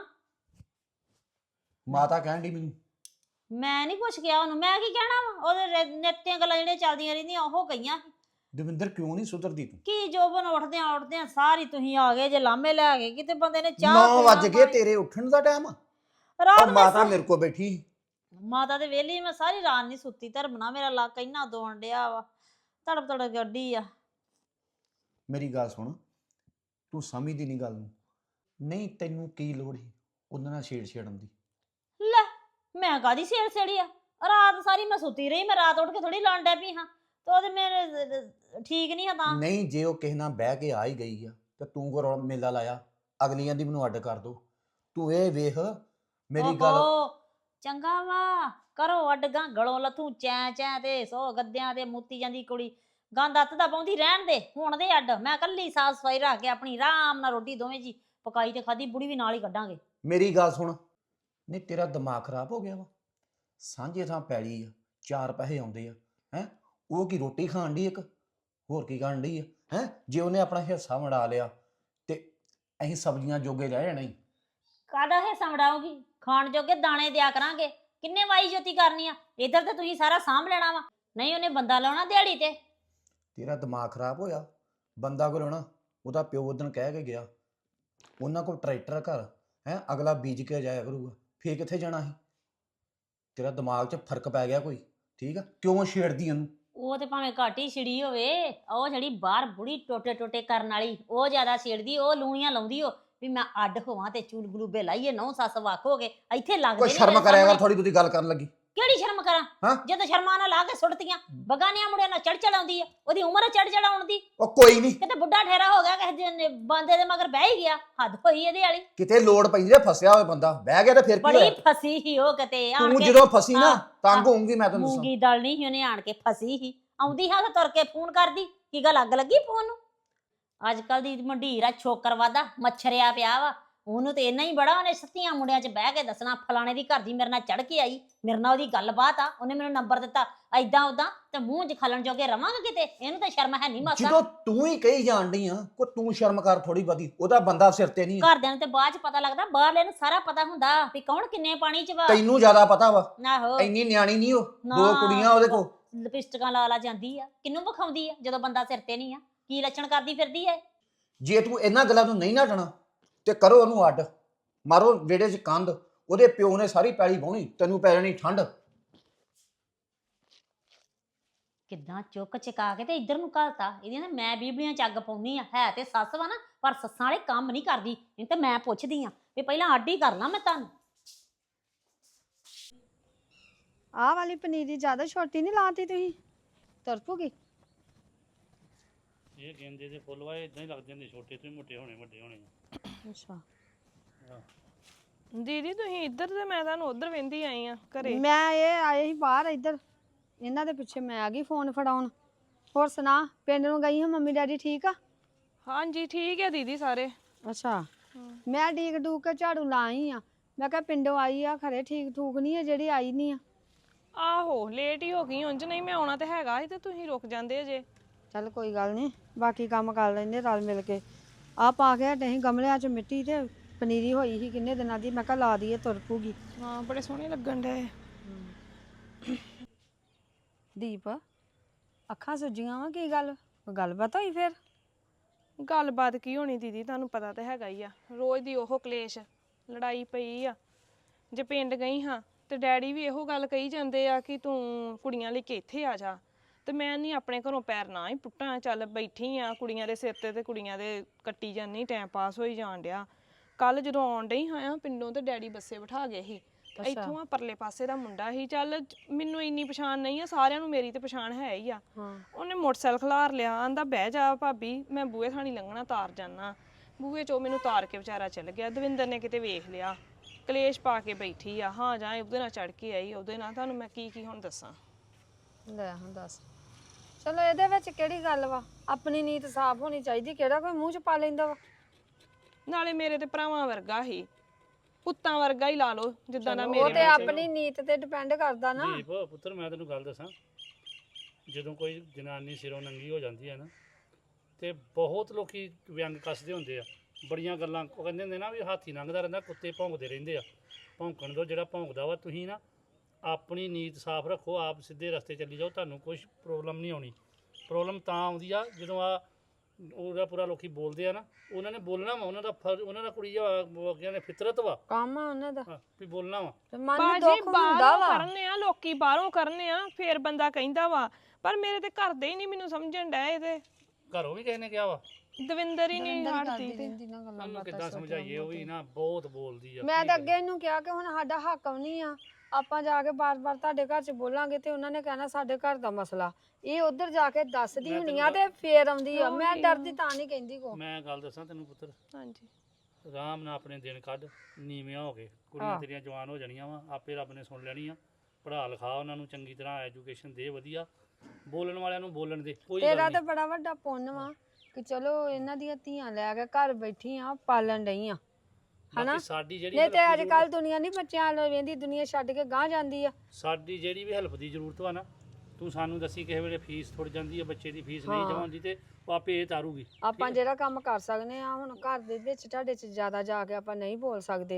Speaker 3: ਮਾਤਾ ਕਹਿਣ ਡਈ ਮੈਨੂੰ।
Speaker 4: ਮੈਂ ਨਹੀਂ ਕੁਛ ਕਿਹਾ ਉਹਨੂੰ, ਮੈਂ ਕੀ ਕਹਿਣਾ ਵਾ? ਉਹਦੇ ਨਿੱਤੀਆਂ ਗੱਲਾਂ ਜਿਹੜੀਆਂ ਚੱਲਦੀਆਂ ਰਹਿੰਦੀਆਂ ਉਹ ਕਹੀਆਂ।
Speaker 3: ਦਵਿੰਦਰ ਕਿਉਂ ਨਹੀਂ ਸੁਧਰਦੀ ਤੂੰ?
Speaker 4: ਕੀ ਜੋਬਨ ਉੱਠਦਿਆਂ ਉੱਠਦਿਆਂ ਸਾਰੀ ਤੁਸੀਂ ਆ ਗਏ ਜੇ ਲਾਮੇ ਲੈ ਗਏ, ਕਿਤੇ ਬੰਦੇ ਨੇ ਚਾਹ
Speaker 3: ਨੌ ਵੱਜ
Speaker 4: ਪੀਣਾ,
Speaker 3: ਗਏ, ਤੇਰੇ ਉੱਠਣ ਦਾ ਟਾਈਮ ਆ।
Speaker 4: ਰਾਤ
Speaker 3: ਔਰ
Speaker 4: ਮੈਂ
Speaker 3: ਮਾਤਾ ਮੇਰੇ ਕੋਲ ਬੈਠੀ।
Speaker 4: ਮਾਤਾ ਦੇ ਵੇਲੀ ਮੈਂ ਸਾਰੀ ਰਾਤ ਨਹੀਂ ਸੁੱਤੀ, ਧਰਮਣਾ ਮੇਰਾ ਲੱਕ ਇੰਨਾ ਦੋਣ ਡਿਆ ਵਾ, ਤੜਪ ਤੜਪ ਗੱਡੀ ਆ।
Speaker 3: ਮੇਰੀ ਗੱਲ ਸੁਣ, ਤੂੰ ਸਮਝਦੀ ਨਹੀਂ ਗੱਲ ਨੂੰ। ਨਹੀਂ ਤੈਨੂੰ ਕੀ ਲੋੜ ਸੀ ਉਹਨਾਂ ਨਾਲ ਛੇੜ ਛੇੜਨ ਦੀ?
Speaker 4: ਲੈ ਮੈਂ ਕਾਦੀ ਛੇੜ ਛੇੜੀ ਆ? ਰਾਤ ਸਾਰੀ ਮੈਂ ਸੁੱਤੀ ਰਹੀ, ਮੈਂ ਰਾਤ ਉੱਠ ਕੇ ਥੋੜੀ ਲੜਨ ਡੈ ਪਈ ਹਾਂ। ਤੇ ਉਹਦੇ ਮੇਰੇ ਠੀਕ ਨਹੀਂ ਆ ਤਾਂ
Speaker 3: ਨਹੀਂ ਜੇ ਉਹ ਕਿਸੇ ਨਾਲ ਬਹਿ ਕੇ ਆ ਹੀ ਗਈ ਆ ਤੇ ਤੂੰ ਕੋ ਰੌਲਾ ਮੇਲਾ ਲਾਇਆ ਅਗਲੀਆਂ ਦੀ ਮੈਨੂੰ ਅੱਡ ਕਰ ਦੋ ਤੂੰ ਇਹ ਵੇਖ ਮੇਰੀ ਗੱਲ
Speaker 4: ਓਹੋ, ਚੰਗਾ ਵਾ ਕਰੋ ਅੱਡਗਾ ਗਲੋਂ ਲੱਥੂ ਚੈ ਚੈ ਤੇ ਸੋ ਗੱਦਿਆਂ ਤੇ ਮੁੱਤੀ ਜਾਂਦੀ ਕੁੜੀ ਗੰਦ ਅੱਤ ਦਾ ਪਾਉਂਦੀ ਰਹਿਣ ਦੇ ਹੁਣ ਦੇ ਅੱਡ ਮੈਂ ਕੱਲੀ ਸਾਫ ਸਫਾਈ ਰੱਖ ਕੇ ਆਪਣੀ ਆਰਾਮ ਨਾਲ ਰੋਟੀ ਦੋਵੇਂ ਜੀ ਪਕਾਈ ਤੇ ਖਾਦੀ ਬੁੜੀ ਵੀ ਨਾਲ ਹੀ ਕੱਢਾਂਗੇ।
Speaker 3: ਮੇਰੀ ਗੱਲ ਸੁਣ ਨਹੀਂ ਤੇਰਾ ਦਿਮਾਗ ਖਰਾਬ ਹੋ ਗਿਆ ਵਾ ਸਾਂਝੇ ਥਾਂ ਪੈਲੀ ਆ ਚਾਰ ਪੈਸੇ ਆਉਂਦੇ ਆ ਹੈ ਉਹ ਕੀ ਰੋਟੀ ਖਾਣ ਦੀ ਇੱਕ ਹੋਰ ਕੀ ਖਾਣ ਦੀ ਆ ਹੈ ਜੇ ਉਹਨੇ ਆਪਣਾ ਹਿੱਸਾ ਵੰਡਾ ਲਿਆ ਤੇ ਅਸੀਂ ਸਬਜ਼ੀਆਂ ਜੋਗੇ ਰਹਿ ਜਾਣਾ ਹੀ
Speaker 4: ਕਾਹਦਾ ਹਿੱਸਾ ਵਡਾਓਗੀ ਖਾਣ ਜੋਗੇ ਦਾਣੇ ਦਿਆ ਕਰਾਂਗੇ ਕਿੰਨੇ ਵਾਈ ਜੋਤੀ ਕਰਨੀ ਆ ਇਧਰ ਤੇ ਤੁਸੀਂ ਸਾਰਾ ਸਾਂਭ ਲੈਣਾ ਵਾ ਨਹੀਂ ਉਹਨੇ ਬੰਦਾ ਲਾਉਣਾ ਦਿਹਾੜੀ ਤੇ
Speaker 3: ਤੇਰਾ ਦਿਮਾਗ ਖਰਾਬ ਹੋਇਆ ਬੰਦਾ ਕੋਲ ਹੋਣਾ ਉਹਦਾ ਪਿਓ ਉਦਣ ਕਹਿ ਕੇ ਗਿਆ ਉਹਨਾਂ ਕੋਲ ਟਰੈਕਟਰ ਘਰ ਹੈ ਅਗਲਾ ਬੀਜ ਕੇ ਜਾਇਆ ਕਰੂਗਾ ਫੇਰ ਕਿੱਥੇ ਜਾਣਾ ਸੀ ਤੇਰਾ ਦਿਮਾਗ 'ਚ ਫਰਕ ਪੈ ਗਿਆ ਕੋਈ ਠੀਕ ਆ ਕਿਉਂ ਛੇੜਦੀ ਉਹਨੂੰ
Speaker 4: ਉਹ ਤੇ ਭਾਵੇਂ ਘੱਟ ਹੀ ਛਿੜੀ ਹੋਵੇ ਉਹ ਜਿਹੜੀ ਬਾਹਰ ਬੁੜੀ ਟੋਟੇ ਟੋਟੇ ਕਰਨ ਵਾਲੀ ਉਹ ਜ਼ਿਆਦਾ ਛੇੜਦੀ ਉਹ ਲੂਣੀਆਂ ਲਾਉਂਦੀ ਉਹ ਵੀ ਮੈਂ ਅੱਡ ਹੋਵਾਂ ਤੇ ਚੂਲ ਗਲੂਬੇ ਲਾਈਏ ਨੌ ਸੱਸ ਵੱਖ ਹੋ ਗਏ ਇੱਥੇ ਲੱਗਦੇ
Speaker 3: ਕੋਈ
Speaker 4: ਨੀ
Speaker 3: ਸ਼ਰਮ
Speaker 4: ਮੇਰੇ
Speaker 3: ਕਰਿਆ ਕਰ
Speaker 4: ਸਾਹਮਣੇ।
Speaker 3: ਥੋੜੀ ਬਹੁਤੀ ਗੱਲ ਕਰਨ ਲੱਗੀ
Speaker 4: ਕਿਹੜੀ ਸ਼ਰਮ ਕਰਾਂ
Speaker 3: ਹਾਂ?
Speaker 4: ਜਦੋਂ ਸ਼ਰਮਾਂ ਨਾਲ ਲਾ ਕੇ ਸੁੱਟਤੀਆਂ ਬਗਾਨਿਆਂ ਮੁੰਡਿਆਂ ਨਾਲ ਚੜ ਚੜਾਉਂਦੀ ਆ ਉਹਦੀ ਉਮਰ ਚੜ ਚੜਾਉਣ ਦੀ
Speaker 3: ਉਹ ਕੋਈ ਨਹੀਂ
Speaker 4: ਕਿਤੇ ਬੁੱਢਾ ਠਹਿਰਾ ਹੋ ਗਿਆ ਕਿਸੇ ਦੇ ਬੰਦੇ ਦੇ ਮਗਰ ਬਹਿ ਹੀ ਗਿਆ ਹੱਦ ਹੋਈ ਇਹਦੇ ਵਾਲੀ
Speaker 3: ਕਿਤੇ ਲੋੜ ਪੈਂਦੀ ਆ ਫਸਿਆ ਹੋਇਆ ਬੰਦਾ ਬਹਿ ਗਿਆ ਤੇ ਫਿਰ ਕੀ
Speaker 4: ਬੜੀ
Speaker 3: ਹੋਇਆ
Speaker 4: ਫਸੀ ਹੀ ਉਹ ਕਿਤੇ ਆਣ
Speaker 3: ਤੂੰ
Speaker 4: ਕੇ
Speaker 3: ਜਦੋਂ ਫਸੀ ਨਾ
Speaker 4: ਹਾਂ,
Speaker 3: ਤੰਗ
Speaker 4: ਹਾਂ।
Speaker 3: ਹੋਊਂਗੀ ਮੈਂ ਤੈਨੂੰ ਦੱਸਾਂ
Speaker 4: ਮੂੰਗੀ ਦਲ ਨਹੀਂ ਸੀ ਉਹਨੇ ਆਣ ਕੇ ਫਸੀ ਹੀ ਆਉਂਦੀ ਹਾਂ ਤਾਂ ਤੁਰ ਕੇ ਫੋਨ ਕਰਦੀ ਕੀ ਗੱਲ ਅੱਗ ਲੱਗੀ ਫੋਨ ਨੂੰ ਅੱਜ ਕੱਲ ਦੀ ਮੰਡੀਰ ਆ ਛੋਕਰ ਵਾਦਾ ਮੱਛਰਿਆ ਪਿਆ ਵਾ ਉਹਨੂੰ ਤੇ ਇੰਨਾ ਹੀ ਬੜਾ ਉਹਨੇ ਸੱਤੀਆਂ ਮੁੰਡਿਆਂ 'ਚ ਬਹਿ ਕੇ ਦੱਸਣਾ ਫਲਾਣੇ ਦੀ ਘਰ ਦੀ ਮੇਰੇ ਨਾਲ ਚੜ ਕੇ ਆਈ ਮੇਰੇ ਨਾਲ ਉਹਦੀ ਗੱਲਬਾਤ ਆ ਉਹਨੇ ਮੈਨੂੰ ਨੰਬਰ ਦਿੱਤਾ ਐਦਾਂ ਉਦਾਂ ਤੇ ਮੂੰਹ 'ਚ ਖਲਣ ਜੋਗੇ ਰਵਾਂਗੇ ਕਿਤੇ ਇਹਨੂੰ ਤਾਂ ਸ਼ਰਮ ਹੈ ਨਹੀਂ ਮਾਸਾ
Speaker 3: ਜਦੋਂ ਤੂੰ ਹੀ ਕਹੀ ਜਾਣ ਡਈ ਆ ਕੋ ਤੂੰ ਸ਼ਰਮ ਕਰ ਥੋੜੀ ਬਹੁਤੀ ਉਹਦਾ ਬੰਦਾ ਸਿਰ ਤੇ ਨਹੀਂ ਆ।
Speaker 4: ਘਰਦਿਆਂ ਨੂੰ ਤੇ ਬਾਅਦ 'ਚ ਪਤਾ ਲੱਗਦਾ ਬਾਹਰਲੇ ਨੂੰ ਸਾਰਾ ਪਤਾ ਹੁੰਦਾ ਵੀ ਕੌਣ ਕਿੰਨੇ ਪਾਣੀ 'ਚ ਵਾ
Speaker 3: ਤੈਨੂੰ ਜ਼ਿਆਦਾ ਪਤਾ ਵਾ
Speaker 4: ਆਹੋ
Speaker 3: ਇੰਨੀ ਨਿਆਣੀ ਨਹੀਂ ਉਹ
Speaker 4: ਨਾ।
Speaker 3: ਦੋ ਕੁੜੀਆਂ ਉਹਦੇ ਕੋ
Speaker 4: ਲਿਪਸਟਿਕਾਂ ਲਾ ਲਾ ਜਾਂਦੀ ਆ ਕਿਹਨੂੰ ਵਿਖਾਉਂਦੀ ਆ ਜਦੋਂ ਬੰਦਾ ਸਿਰ ਤੇ ਨਹੀਂ ਆ ਕੀ ਲੱਛਣ ਕਰਦੀ ਫਿਰਦੀ ਐ
Speaker 3: ਜੇ ਤੂੰ ਇਹਨਾਂ ਗੱਲਾਂ ਤੋਂ ਨਹੀਂ ਨੱਠਣਾ ਤੇ ਕਰੋ ਉਹਨੂੰ ਅੱਡ ਮਾਰੋ ਵਿਹੜੇ 'ਚ ਕੰਧ ਉਹਦੇ ਪਿਓ ਨੇ ਸਾਰੀ ਪੈਲੀ ਵਾਹੁਣੀ ਤੈਨੂੰ ਪੈ ਜਾਣੀ ਠੰਡ
Speaker 4: ਕਿੱਦਾਂ ਚੁੱਕ ਚਕਾ ਕੇ ਤੇ ਇੱਧਰ ਨੂੰ ਘਲਤਾ ਇਹਦੀਆਂ ਨਾ ਮੈਂ ਬੀਬਲੀਆਂ ਚ ਅੱਗ ਪਾਉਣੀ ਆ ਹੈ ਤੇ ਸੱਸ ਵਾ ਨਾ ਪਰ ਸੱਸਾਂ ਵਾਲੇ ਕੰਮ ਨਹੀਂ ਕਰਦੀ ਨਹੀਂ ਤੇ ਮੈਂ ਪੁੱਛਦੀ ਆ ਵੀ ਪਹਿਲਾਂ ਅੱਡ ਹੀ ਕਰ ਲਾਂ ਮੈਂ ਤੁਹਾਨੂੰ
Speaker 5: ਆਹ ਵਾਲੀ ਪਨੀਰੀ ਜ਼ਿਆਦਾ ਛੋਟੀ ਨਹੀਂ ਲਾਤੀ ਤੁਸੀਂ ਤੁਰ ਪੂਗੀ
Speaker 6: ਇਹ ਗੇਂਦੇ ਦੇ ਫੁੱਲ ਵਾ ਇਦਾਂ ਹੀ ਲੱਗ ਜਾਂਦੇ ਛੋਟੇ ਤੋਂ ਹੀ ਮੋਟੇ ਹੋਣੇ ਵੱਡੇ ਹੋਣੇ
Speaker 5: ਅੱਛਾ
Speaker 1: ਦੀਦੀ ਤੁਸੀਂ ਇੱਧਰ ਤੇ ਮੈਂ ਤੁਹਾਨੂੰ ਉੱਧਰ ਵੇਂਦੀ ਆਈ ਆ ਘਰੇ
Speaker 5: ਮੈਂ ਇਹ ਆਏ ਸੀ ਬਾਹਰ ਇੱਧਰ ਇਹਨਾਂ ਦੇ ਪਿੱਛੇ ਮੈਂ ਆ ਗਈ ਫੋਨ ਫੜਾਉਣ ਹੋਰ ਸੁਣਾ ਪਿੰਡ ਨੂੰ ਗਈ ਹਾਂ ਮੰਮੀ ਡੈਡੀ ਠੀਕ ਆ
Speaker 1: ਹਾਂਜੀ ਠੀਕ ਹੈ ਦੀਦੀ ਸਾਰੇ
Speaker 5: ਅੱਛਾ ਮੈਂ ਡੀਕ ਡੂਕ ਕੇ ਝਾੜੂ ਲਾਈ ਆ ਮੈਂ ਕਿਹਾ ਪਿੰਡੋਂ ਆਈ ਆ ਖਰੇ ਠੀਕ ਠੂਕ ਨਹੀਂ ਆ ਜਿਹੜੀ ਆਈ ਨਹੀਂ ਆ
Speaker 1: ਆਹੋ ਲੇਟ ਹੀ ਹੋ ਗਈ ਉਂਝ ਨਹੀਂ ਮੈਂ ਆਉਣਾ ਤੇ ਹੈਗਾ ਸੀ ਤੇ ਤੁਸੀਂ ਰੁਕ ਜਾਂਦੇ ਅਜੇ
Speaker 5: ਚੱਲ ਕੋਈ ਗੱਲ ਨਹੀਂ ਬਾਕੀ ਕੰਮ ਕਰ ਲੈਂਦੇ ਰਲ ਮਿਲ ਕੇ ਆ ਪਾ ਕੇ ਹਟੇ ਸੀ ਗਮਲਿਆਂ 'ਚ ਮਿੱਟੀ ਤੇ ਪਨੀਰੀ ਹੋਈ ਸੀ ਕਿੰਨੇ ਦਿਨਾਂ ਦੀ ਮੈਂ ਕਿਹਾ ਲਾ ਦਈਏ ਤੁਰ ਪੂਗੀ
Speaker 1: ਹਾਂ ਬੜੇ ਸੋਹਣੇ ਲੱਗਣ ਡਏ
Speaker 5: ਦੀਪ ਅੱਖਾਂ ਸੁੱਜੀਆਂ ਵਾ ਕੀ ਗੱਲ ਕੋਈ ਗੱਲਬਾਤ ਹੋਈ ਫਿਰ
Speaker 1: ਗੱਲਬਾਤ ਕੀ ਹੋਣੀ ਦੀਦੀ ਤੁਹਾਨੂੰ ਪਤਾ ਤਾਂ ਹੈਗਾ ਹੀ ਆ ਰੋਜ਼ ਦੀ ਉਹ ਕਲੇਸ਼ ਲੜਾਈ ਪਈ ਆ ਜੇ ਪਿੰਡ ਗਈ ਹਾਂ ਤੇ ਡੈਡੀ ਵੀ ਇਹੋ ਗੱਲ ਕਹੀ ਜਾਂਦੇ ਆ ਕਿ ਤੂੰ ਕੁੜੀਆਂ ਲਈ ਕਿ ਇੱਥੇ ਆ ਜਾ ਤੇ ਮੈਂ ਨਹੀਂ ਆਪਣੇ ਘਰੋਂ ਪੈਰ ਨਾ ਹੀ ਪੁੱਟਾਂ ਚੱਲ ਬੈਠੀ ਆ ਕੁੜੀਆਂ ਦੇ ਸਿਰ ਤੇ ਤੇ ਕੁੜੀਆਂ ਦੇ ਕੱਟੀ ਜਾਂਦੀ ਟਾਈਮ ਪਾਸ ਹੋਈ ਜਾਣ ਡਿਆ ਕੱਲ ਜਦੋਂ ਆਉਣ ਡਈ ਹਾਂ ਪਿੰਡੋਂ ਤੇ ਡੈਡੀ ਬੱਸੇ ਬਿਠਾ ਗਏ ਸੀ ਇੱਥੋਂ ਆ ਪਰਲੇ ਪਾਸੇ ਦਾ ਮੁੰਡਾ ਸੀ ਚੱਲ ਮੈਨੂੰ ਇੰਨੀ ਪਛਾਣ ਨਹੀਂ ਆ ਸਾਰਿਆਂ ਨੂੰ ਮੇਰੀ ਤੇ ਪਛਾਣ ਹੈ ਹੀ ਆ ਉਹਨੇ ਮੋਟਰਸਾਈਕਲ ਖਲਾਰ ਲਿਆ ਆਂਦਾ ਬਹਿ ਜਾ ਭਾਬੀ ਮੈਂ ਬੂਹੇ ਥਾਣੀ ਲੰਘਣਾ ਤਾਰ ਜਾਣਾ ਬੂਹੇ ਚੋਂ ਮੈਨੂੰ ਤਾਰ ਕੇ ਵਿਚਾਰਾ ਚੱਲ ਗਿਆ ਦਵਿੰਦਰ ਨੇ ਕਿਤੇ ਵੇਖ ਲਿਆ ਕਲੇਸ਼ ਪਾ ਕੇ ਬੈਠੀ ਆ ਹਾਂ ਜਾਂ ਉਹਦੇ ਨਾਲ ਚੜ ਕੇ ਆਈ ਉਹਦੇ ਨਾਲ ਤੁਹਾਨੂੰ ਮੈਂ ਕੀ ਕੀ ਹੁਣ ਦੱਸਾਂ
Speaker 5: ਲੈ ਹੁਣ ਦੱਸ ਚਲੋ ਇਹਦੇ ਵਿੱਚ ਕਿਹੜੀ ਗੱਲ ਵਾ ਆਪਣੀ ਨੀਤ ਸਾਫ਼ ਹੋਣੀ ਚਾਹੀਦੀ ਕਿਹੜਾ ਕੋਈ ਮੂੰਹ 'ਚ ਪਾ ਲੈਂਦਾ ਵਾ
Speaker 1: ਨਾਲੇ ਮੇਰੇ ਤੇ ਭਰਾਵਾਂ ਵਰਗਾ ਹੀ ਪੁੱਤਾਂ ਵਰਗਾ ਹੀ ਲਾ ਲਓ ਜਿੱਦਾਂ ਦਾ
Speaker 5: ਉਹ
Speaker 1: ਮੇਰੇ
Speaker 5: ਤੇ ਆਪਣੀ ਨੀਤ ਤੇ ਡਿਪੈਂਡ ਕਰਦਾ ਨਾ
Speaker 6: ਦੀਪ ਪੁੱਤਰ ਮੈਂ ਤੈਨੂੰ ਗੱਲ ਦੱਸਾਂ ਜਦੋਂ ਕੋਈ ਜਨਾਨੀ ਸਿਰੋਂ ਨੰਗੀ ਹੋ ਜਾਂਦੀ ਹੈ ਨਾ ਤੇ ਬਹੁਤ ਲੋਕੀ ਵਿਅੰਗ ਕੱਸਦੇ ਹੁੰਦੇ ਆ ਬੜੀਆਂ ਗੱਲਾਂ ਉਹ ਕਹਿੰਦੇ ਹੁੰਦੇ ਨਾ ਵੀ ਹਾਥੀ ਲੰਘਦਾ ਰਹਿੰਦਾ ਕੁੱਤੇ ਭੌਂਕਦੇ ਰਹਿੰਦੇ ਆ ਭੌਂਕਣ ਤੋਂ ਜਿਹੜਾ ਭੌਂਕਦਾ ਵਾ ਤੁਸੀਂ ਨਾ ਆਪਣੀ ਨੀਤ ਸਾਫ਼ ਰੱਖੋ ਆਪ ਸਿੱਧੇ ਰਸਤੇ ਚੱਲੀ ਜਾਓ ਤੁਹਾਨੂੰ ਕੁਝ ਪ੍ਰੋਬਲਮ ਨਹੀਂ ਆਉਣੀ ਪ੍ਰੋਬਲਮ ਤਾਂ ਆਉਂਦੀ ਆ ਜਦੋਂ ਆ ਉਹਦਾ ਪੂਰਾ ਲੋਕੀ ਬੋਲਦੇ ਆ ਨਾ ਉਹਨਾਂ ਨੇ ਬੋਲਣਾ ਵਾ ਉਹਨਾਂ ਦਾ ਫਰਜ਼ ਉਹਨਾਂ ਦਾ ਕੁੜੀ ਆ ਅੱਗੇ ਨੇ ਫਿਤਰਤ ਵਾ
Speaker 5: ਕੰਮ ਆ ਉਹਨਾਂ ਦਾ
Speaker 6: ਹਾਂ, ਵੀ ਬੋਲਣਾ ਵਾ
Speaker 5: ਤੇ ਮਨ ਨੂੰ
Speaker 1: ਬਾਜੀ
Speaker 5: ਦੁੱਖ ਹੁੰਦਾ
Speaker 1: ਬਾਹਰੋਂ
Speaker 5: ਵਾ
Speaker 1: ਕਰਨੇ ਆ ਲੋਕੀ ਬਾਹਰੋਂ ਕਰਨੇ ਆ ਫੇਰ ਬੰਦਾ ਕਹਿੰਦਾ ਵਾ ਪਰ ਮੇਰੇ ਤੇ ਘਰ ਦੇ ਹੀ ਨਹੀਂ ਮੈਨੂੰ ਸਮਝਣ ਡਏ ਇਹਦੇ
Speaker 6: ਘਰੋਂ ਵੀ ਕਿਸੇ ਨੇ ਕਿਹਾ ਵਾ
Speaker 1: ਦਵਿੰਦਰ ਹੀ ਨਹੀਂ ਹਟਦੀ ਤੇ
Speaker 5: ਰਹਿੰਦੀ ਨਾ ਗੱਲਾਂ
Speaker 6: ਉਹਨੂੰ
Speaker 5: ਬਾਤਾਂ
Speaker 6: ਕਿੱਦਾਂ ਸਮਝਾਈਏ ਉਹ ਵੀ ਨਾ ਬਹੁਤ ਬੋਲਦੀ ਆ
Speaker 5: ਮੈਂ
Speaker 6: ਕੀ
Speaker 5: ਤਾਂ
Speaker 6: ਕਰੀਏ?
Speaker 5: ਅੱਗੇ ਇਹਨੂੰ ਕਿਹਾ ਕਿ ਹੁਣ ਸਾਡਾ ਹੱਕ ਵੀ ਨਹੀਂ ਆ ਆਪਾਂ ਜਾ ਕੇ ਬਾਰ-ਬਾਰ ਤੁਹਾਡੇ ਘਰ 'ਚ ਬੋਲਾਂਗੇ ਤੇ ਉਹਨਾਂ ਨੇ ਕਹਿਣਾ ਸਾਡੇ ਘਰ ਦਾ ਮਸਲਾ। ਇਹ ਉਧਰ ਜਾ ਕੇ ਦੱਸਦੀ
Speaker 6: ਮੈਂ
Speaker 5: ਹੁੰਦੀ
Speaker 6: ਤੈਨੂੰ
Speaker 5: ਆ ਤੇ ਫੇਰ ਆਉਂਦੀ ਆ। ਮੈਂ
Speaker 1: ਉਹੀ
Speaker 5: ਡਰਦੀ ਤਾਂ ਨਹੀਂ ਕਹਿੰਦੀ ਕੋ।
Speaker 6: ਮੈਂ ਗੱਲ ਦੱਸਾਂ ਤੈਨੂੰ ਪੁੱਤਰ,
Speaker 1: ਹਾਂਜੀ
Speaker 6: ਆਰਾਮ ਨਾਲ ਆਪਣੇ ਦਿਨ ਕੱਢ, ਨੀਵਿਆਂ ਹੋ ਕੇ ਕੁੜੀਆਂ
Speaker 5: ਹਾਂ।
Speaker 6: ਤੇਰੀਆਂ ਜਵਾਨ ਹੋ ਜਾਣੀਆਂ ਵਾ, ਆਪੇ ਰੱਬ ਨੇ ਸੁਣ ਲੈਣੀ ਆ। ਪੜ੍ਹਾ ਲਿਖਾ ਉਹਨਾਂ ਨੂੰ ਚੰਗੀ ਤਰ੍ਹਾਂ, ਐਜੂਕੇਸ਼ਨ ਦੇ ਵਧੀਆ, ਬੋਲਣ ਵਾਲਿਆਂ ਨੂੰ ਬੋਲਣ ਦੇ, ਕੋਈ ਗੱਲ
Speaker 5: ਤੇਰਾ ਤਾਂ
Speaker 6: ਨਹੀਂ।
Speaker 5: ਬੜਾ ਵੱਡਾ ਪੁੰਨ ਵਾ ਕਿ ਚਲੋ ਇਹਨਾਂ ਦੀਆਂ ਧੀਆਂ ਲੈ ਕੇ ਘਰ ਬੈਠੀ ਆ, ਪਾਲਣ ਡਈ ਆ, ਹਨਾ?
Speaker 6: ਬਾਕੀ ਸਾਡੀ ਜਿਹੜੀ
Speaker 5: ਨਹੀਂ ਤੇ
Speaker 6: help ਦੀ
Speaker 5: ਅੱਜ ਕੱਲ
Speaker 6: ਜ਼ਰੂਰਤ-
Speaker 5: ਦੁਨੀਆ ਨਹੀਂ ਬੱਚਿਆਂ ਨੂੰ ਵੇਂਦੀ, ਦੁਨੀਆ ਛੱਡ ਕੇ ਗਾਂਹ ਜਾਂਦੀ ਆ।
Speaker 6: ਸਾਡੀ ਜਿਹੜੀ ਵੀ ਹੈਲਪ ਦੀ ਜ਼ਰੂਰਤ ਵਾ ਨਾ, ਤੂੰ ਸਾਨੂੰ ਦੱਸੀ ਕਿਸੇ ਵੇਲੇ ਫੀਸ ਥੁੜ ਜਾਂਦੀ ਹੈ, ਬੱਚੇ ਦੀ ਫੀਸ ਨਹੀਂ
Speaker 5: ਹਾਂ।
Speaker 6: ਜਮ੍ਹਾਂ ਹੁੰਦੀ ਤੇ ਉਹ ਆਪੇ ਇਹ ਤਾਰੂਗੀ।
Speaker 5: ਆਪਾਂ ਜਿਹੜਾ ਕੰਮ ਕਰ ਸਕਦੇ ਆ ਹੁਣ ਘਰ ਦੇ ਵਿੱਚ ਤੁਹਾਡੇ 'ਚ ਜ਼ਿਆਦਾ ਜਾ ਕੇ ਆਪਾਂ ਨਹੀਂ ਬੋਲ ਸਕਦੇ।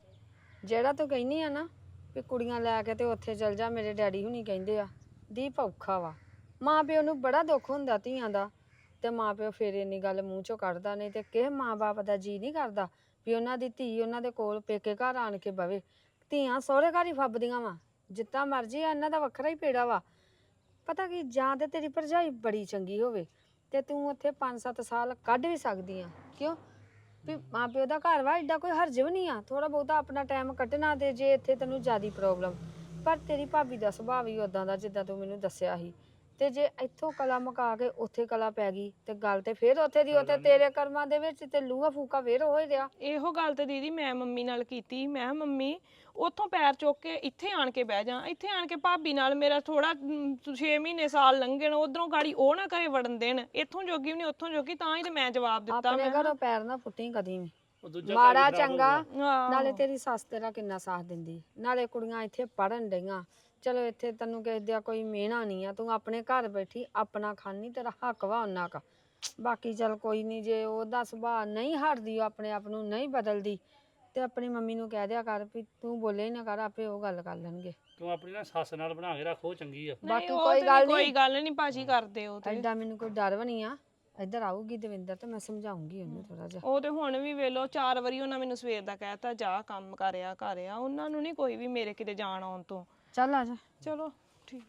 Speaker 5: ਜਿਹੜਾ ਤੂੰ ਕਹਿੰਦੀ ਆ ਨਾ ਵੀ ਕੁੜੀਆਂ ਲੈ ਕੇ ਤੇ ਉੱਥੇ ਚਲ ਜਾ, ਮੇਰੇ ਡੈਡੀ ਹੁਣੀ ਕਹਿੰਦੇ ਆ, ਦੀਪ ਔਖਾ ਵਾ। ਮਾਂ ਪਿਓ ਨੂੰ ਬੜਾ ਦੁੱਖ ਹੁੰਦਾ ਧੀਆਂ ਦਾ, ਤੇ ਮਾਂ ਪਿਓ ਫਿਰ ਇੰਨੀ ਗੱਲ ਮੂੰਹ ਚੋਂ ਕੱਢਦਾ। ਨਹੀਂ ਤੇ ਕਿਸੇ ਮਾਂ ਬਾਪ ਦਾ ਜੀ ਨਹੀਂ ਕਰਦਾ ਵੀ ਉਹਨਾਂ ਦੀ ਧੀ ਉਹਨਾਂ ਦੇ ਕੋਲ ਪੇਕੇ ਘਰ ਆਣ ਕੇ ਬਵੇ। ਧੀਆਂ ਸਹੁਰੇ ਘਰ ਹੀ ਫੱਬਦੀਆਂ ਵਾ, ਜਿੱਦਾਂ ਮਰਜ਼ੀ ਆ, ਇਹਨਾਂ ਦਾ ਵੱਖਰਾ ਹੀ ਪੇੜਾ ਵਾ। ਪਤਾ ਕੀ, ਜਾਂ ਤੇ ਤੇਰੀ ਭਰਜਾਈ ਬੜੀ ਚੰਗੀ ਹੋਵੇ ਤੇ ਤੂੰ ਉੱਥੇ ਪੰਜ ਸੱਤ ਸਾਲ ਕੱਢ ਵੀ ਸਕਦੀ ਆ। ਕਿਉਂ ਵੀ ਮਾਂ ਪਿਓ ਦਾ ਘਰ ਵਾ, ਏਡਾ ਕੋਈ ਹਰਜ ਵੀ ਨਹੀਂ ਆ, ਥੋੜਾ ਬਹੁਤਾ ਆਪਣਾ ਟਾਈਮ ਕੱਢਣਾ। ਤੇ ਜੇ ਇੱਥੇ ਤੈਨੂੰ ਜ਼ਿਆਦੀ ਪ੍ਰੋਬਲਮ, ਪਰ ਤੇਰੀ ਭਾਬੀ ਦਾ ਸੁਭਾਅ ਵੀ ਉਦਾਂ ਦਾ ਜਿੱਦਾਂ ਤੂੰ ਮੈਨੂੰ ਦੱਸਿਆ ਸੀ। ਤੇ ਜੇ ਇੱਥੋਂ ਕਲਾ ਮੁਕਾ ਕੇ ਉੱਥੇ ਕਲਾ ਪੈ ਗਈ ਤੇ ਗੱਲ ਤੇ ਫੇਰ ਉੱਥੇ ਦੀ ਉੱਥੇ ਤੇਰੇ ਕਰਮਾਂ ਦੇ ਵਿੱਚ ਤੇ ਲੂਹਾ ਫੂਕਾ ਫੇਰ ਹੋ ਹੀ ਰਿਹਾ।
Speaker 1: ਇਹੋ ਗੱਲ ਤੇ ਦੀਦੀ ਮੈਂ ਮੰਮੀ ਨਾਲ ਕੀਤੀ। ਮੈਂ ਕਿਹਾ, ਮੰਮੀ ਉੱਥੋਂ ਪੈਰ ਚੁੱਕ ਕੇ ਇੱਥੇ ਆਣ ਕੇ ਬਹਿ ਜਾ, ਇੱਥੇ ਆਣ ਕੇ ਭਾਬੀ ਨਾਲ ਮੇਰਾ ਥੋੜਾ ਛੇ ਮਹੀਨੇ ਸਾਲ ਲੰਘਣ, ਉਧਰੋਂ ਗਾੜੀ ਉਹ ਨਾ ਕਰੇ ਵੜਨ ਦੇਣ, ਇੱਥੋਂ ਜੋਗੀ ਵੀ ਨਹੀਂ ਉੱਥੋਂ ਜੋਗੀ। ਤਾਂ ਹੀ ਤੇ ਮੈਂ ਜਵਾਬ ਦਿੱਤਾ।
Speaker 5: ਆਪਣੇ
Speaker 1: ਮੈਂ
Speaker 5: ਘਰੋਂ ਪੈਰ ਨਾ ਫੁੱਟੀ ਕਦੀ ਵੀ।
Speaker 6: ਉਹ ਦੂਜਾ ਘਰ
Speaker 5: ਮਾੜਾ
Speaker 6: ਵੀ ਖਰਾਬ
Speaker 5: ਚੰਗਾ
Speaker 6: ਹੋਊਗਾ।
Speaker 1: ਆਹੋ।
Speaker 5: ਨਾਲੇ ਤੇਰੀ ਸੱਸ ਤੇਰਾ ਕਿੰਨਾ ਸਾਥ ਦਿੰਦੀ, ਨਾਲੇ ਕੁੜੀਆਂ ਇੱਥੇ ਪੜਨ ਡਈਆਂ। ਚਲੋ ਇੱਥੇ ਤੈਨੂੰ ਕਿਸੇ ਦਾ ਕੋਈ ਮਿਹਣਾ ਨਹੀਂ ਆ, ਤੂੰ ਆਪਣੇ ਘਰ ਬੈਠੀ ਆਪਣਾ ਖਾਨੀ, ਤੇਰਾ ਹੱਕ ਵਾ ਉਹਨਾਂ ਕਾ। ਬਾਕੀ ਚਲ ਕੋਈ ਨਹੀਂ, ਜੇ ਉਹਦਾ ਸੁਭਾਅ ਨਹੀਂ ਹਟਦੀ, ਉਹ ਆਪਣੇ ਆਪ ਨੂੰ ਨਹੀਂ ਬਦਲਦੀ, ਤੇ ਆਪਣੀ ਮੰਮੀ ਨੂੰ ਕਹਿ ਦਿਆ ਕਰ ਵੀ ਤੂੰ ਬੋਲੇ ਹੀ ਨਾ ਕਰ, ਆਪੇ ਉਹ ਗੱਲ ਕਰ ਲੈਣਗੇ।
Speaker 6: ਤੂੰ ਆਪਣੀ ਨਾ ਸੱਸ ਨਾਲ ਬਣਾ ਕੇ ਰੱਖੋ, ਚੰਗੀ ਆ।
Speaker 1: ਨਹੀਂ,
Speaker 5: ਬਾਕੀ
Speaker 1: ਉਹ
Speaker 5: ਕੋਈ
Speaker 1: ਤੇ
Speaker 5: ਗੱਲ
Speaker 1: ਕੋਈ
Speaker 5: ਨਹੀਂ,
Speaker 1: ਗੱਲ ਨਹੀਂ ਭਾਜੀ ਕਰਦੇ ਉਹ ਤੇ।
Speaker 5: ਐਡਾ ਮੈਨੂੰ ਕੋਈ ਡਰ ਵੀ ਨਹੀਂ ਆ। ਇੱਧਰ ਆਊਗੀ ਦਵਿੰਦਰ ਤੇ ਮੈਂ ਸਮਝਾਉਂਗੀ ਉਹਨੂੰ ਥੋੜਾ ਜਿਹਾ।
Speaker 1: ਉਹ ਤੇ ਹੁਣ ਵੀ ਵੇਲੋ ਚਾਰ ਵਾਰੀ ਉਹਨਾਂ ਮੈਨੂੰ ਸਵੇਰ ਦਾ ਕਹਿਤਾ ਜਾ ਕੰਮ ਕਰਿਆ ਕਰਿਆ। ਉਹਨਾਂ ਨੂੰ ਨਹੀਂ ਕੋਈ ਵੀ ਮੇਰੇ ਕਿਤੇ ਜਾਣ ਆਉਣ ਤੋਂ।
Speaker 5: ਚੱਲ ਆ ਜਾ।
Speaker 1: ਚਲੋ ਠੀਕ।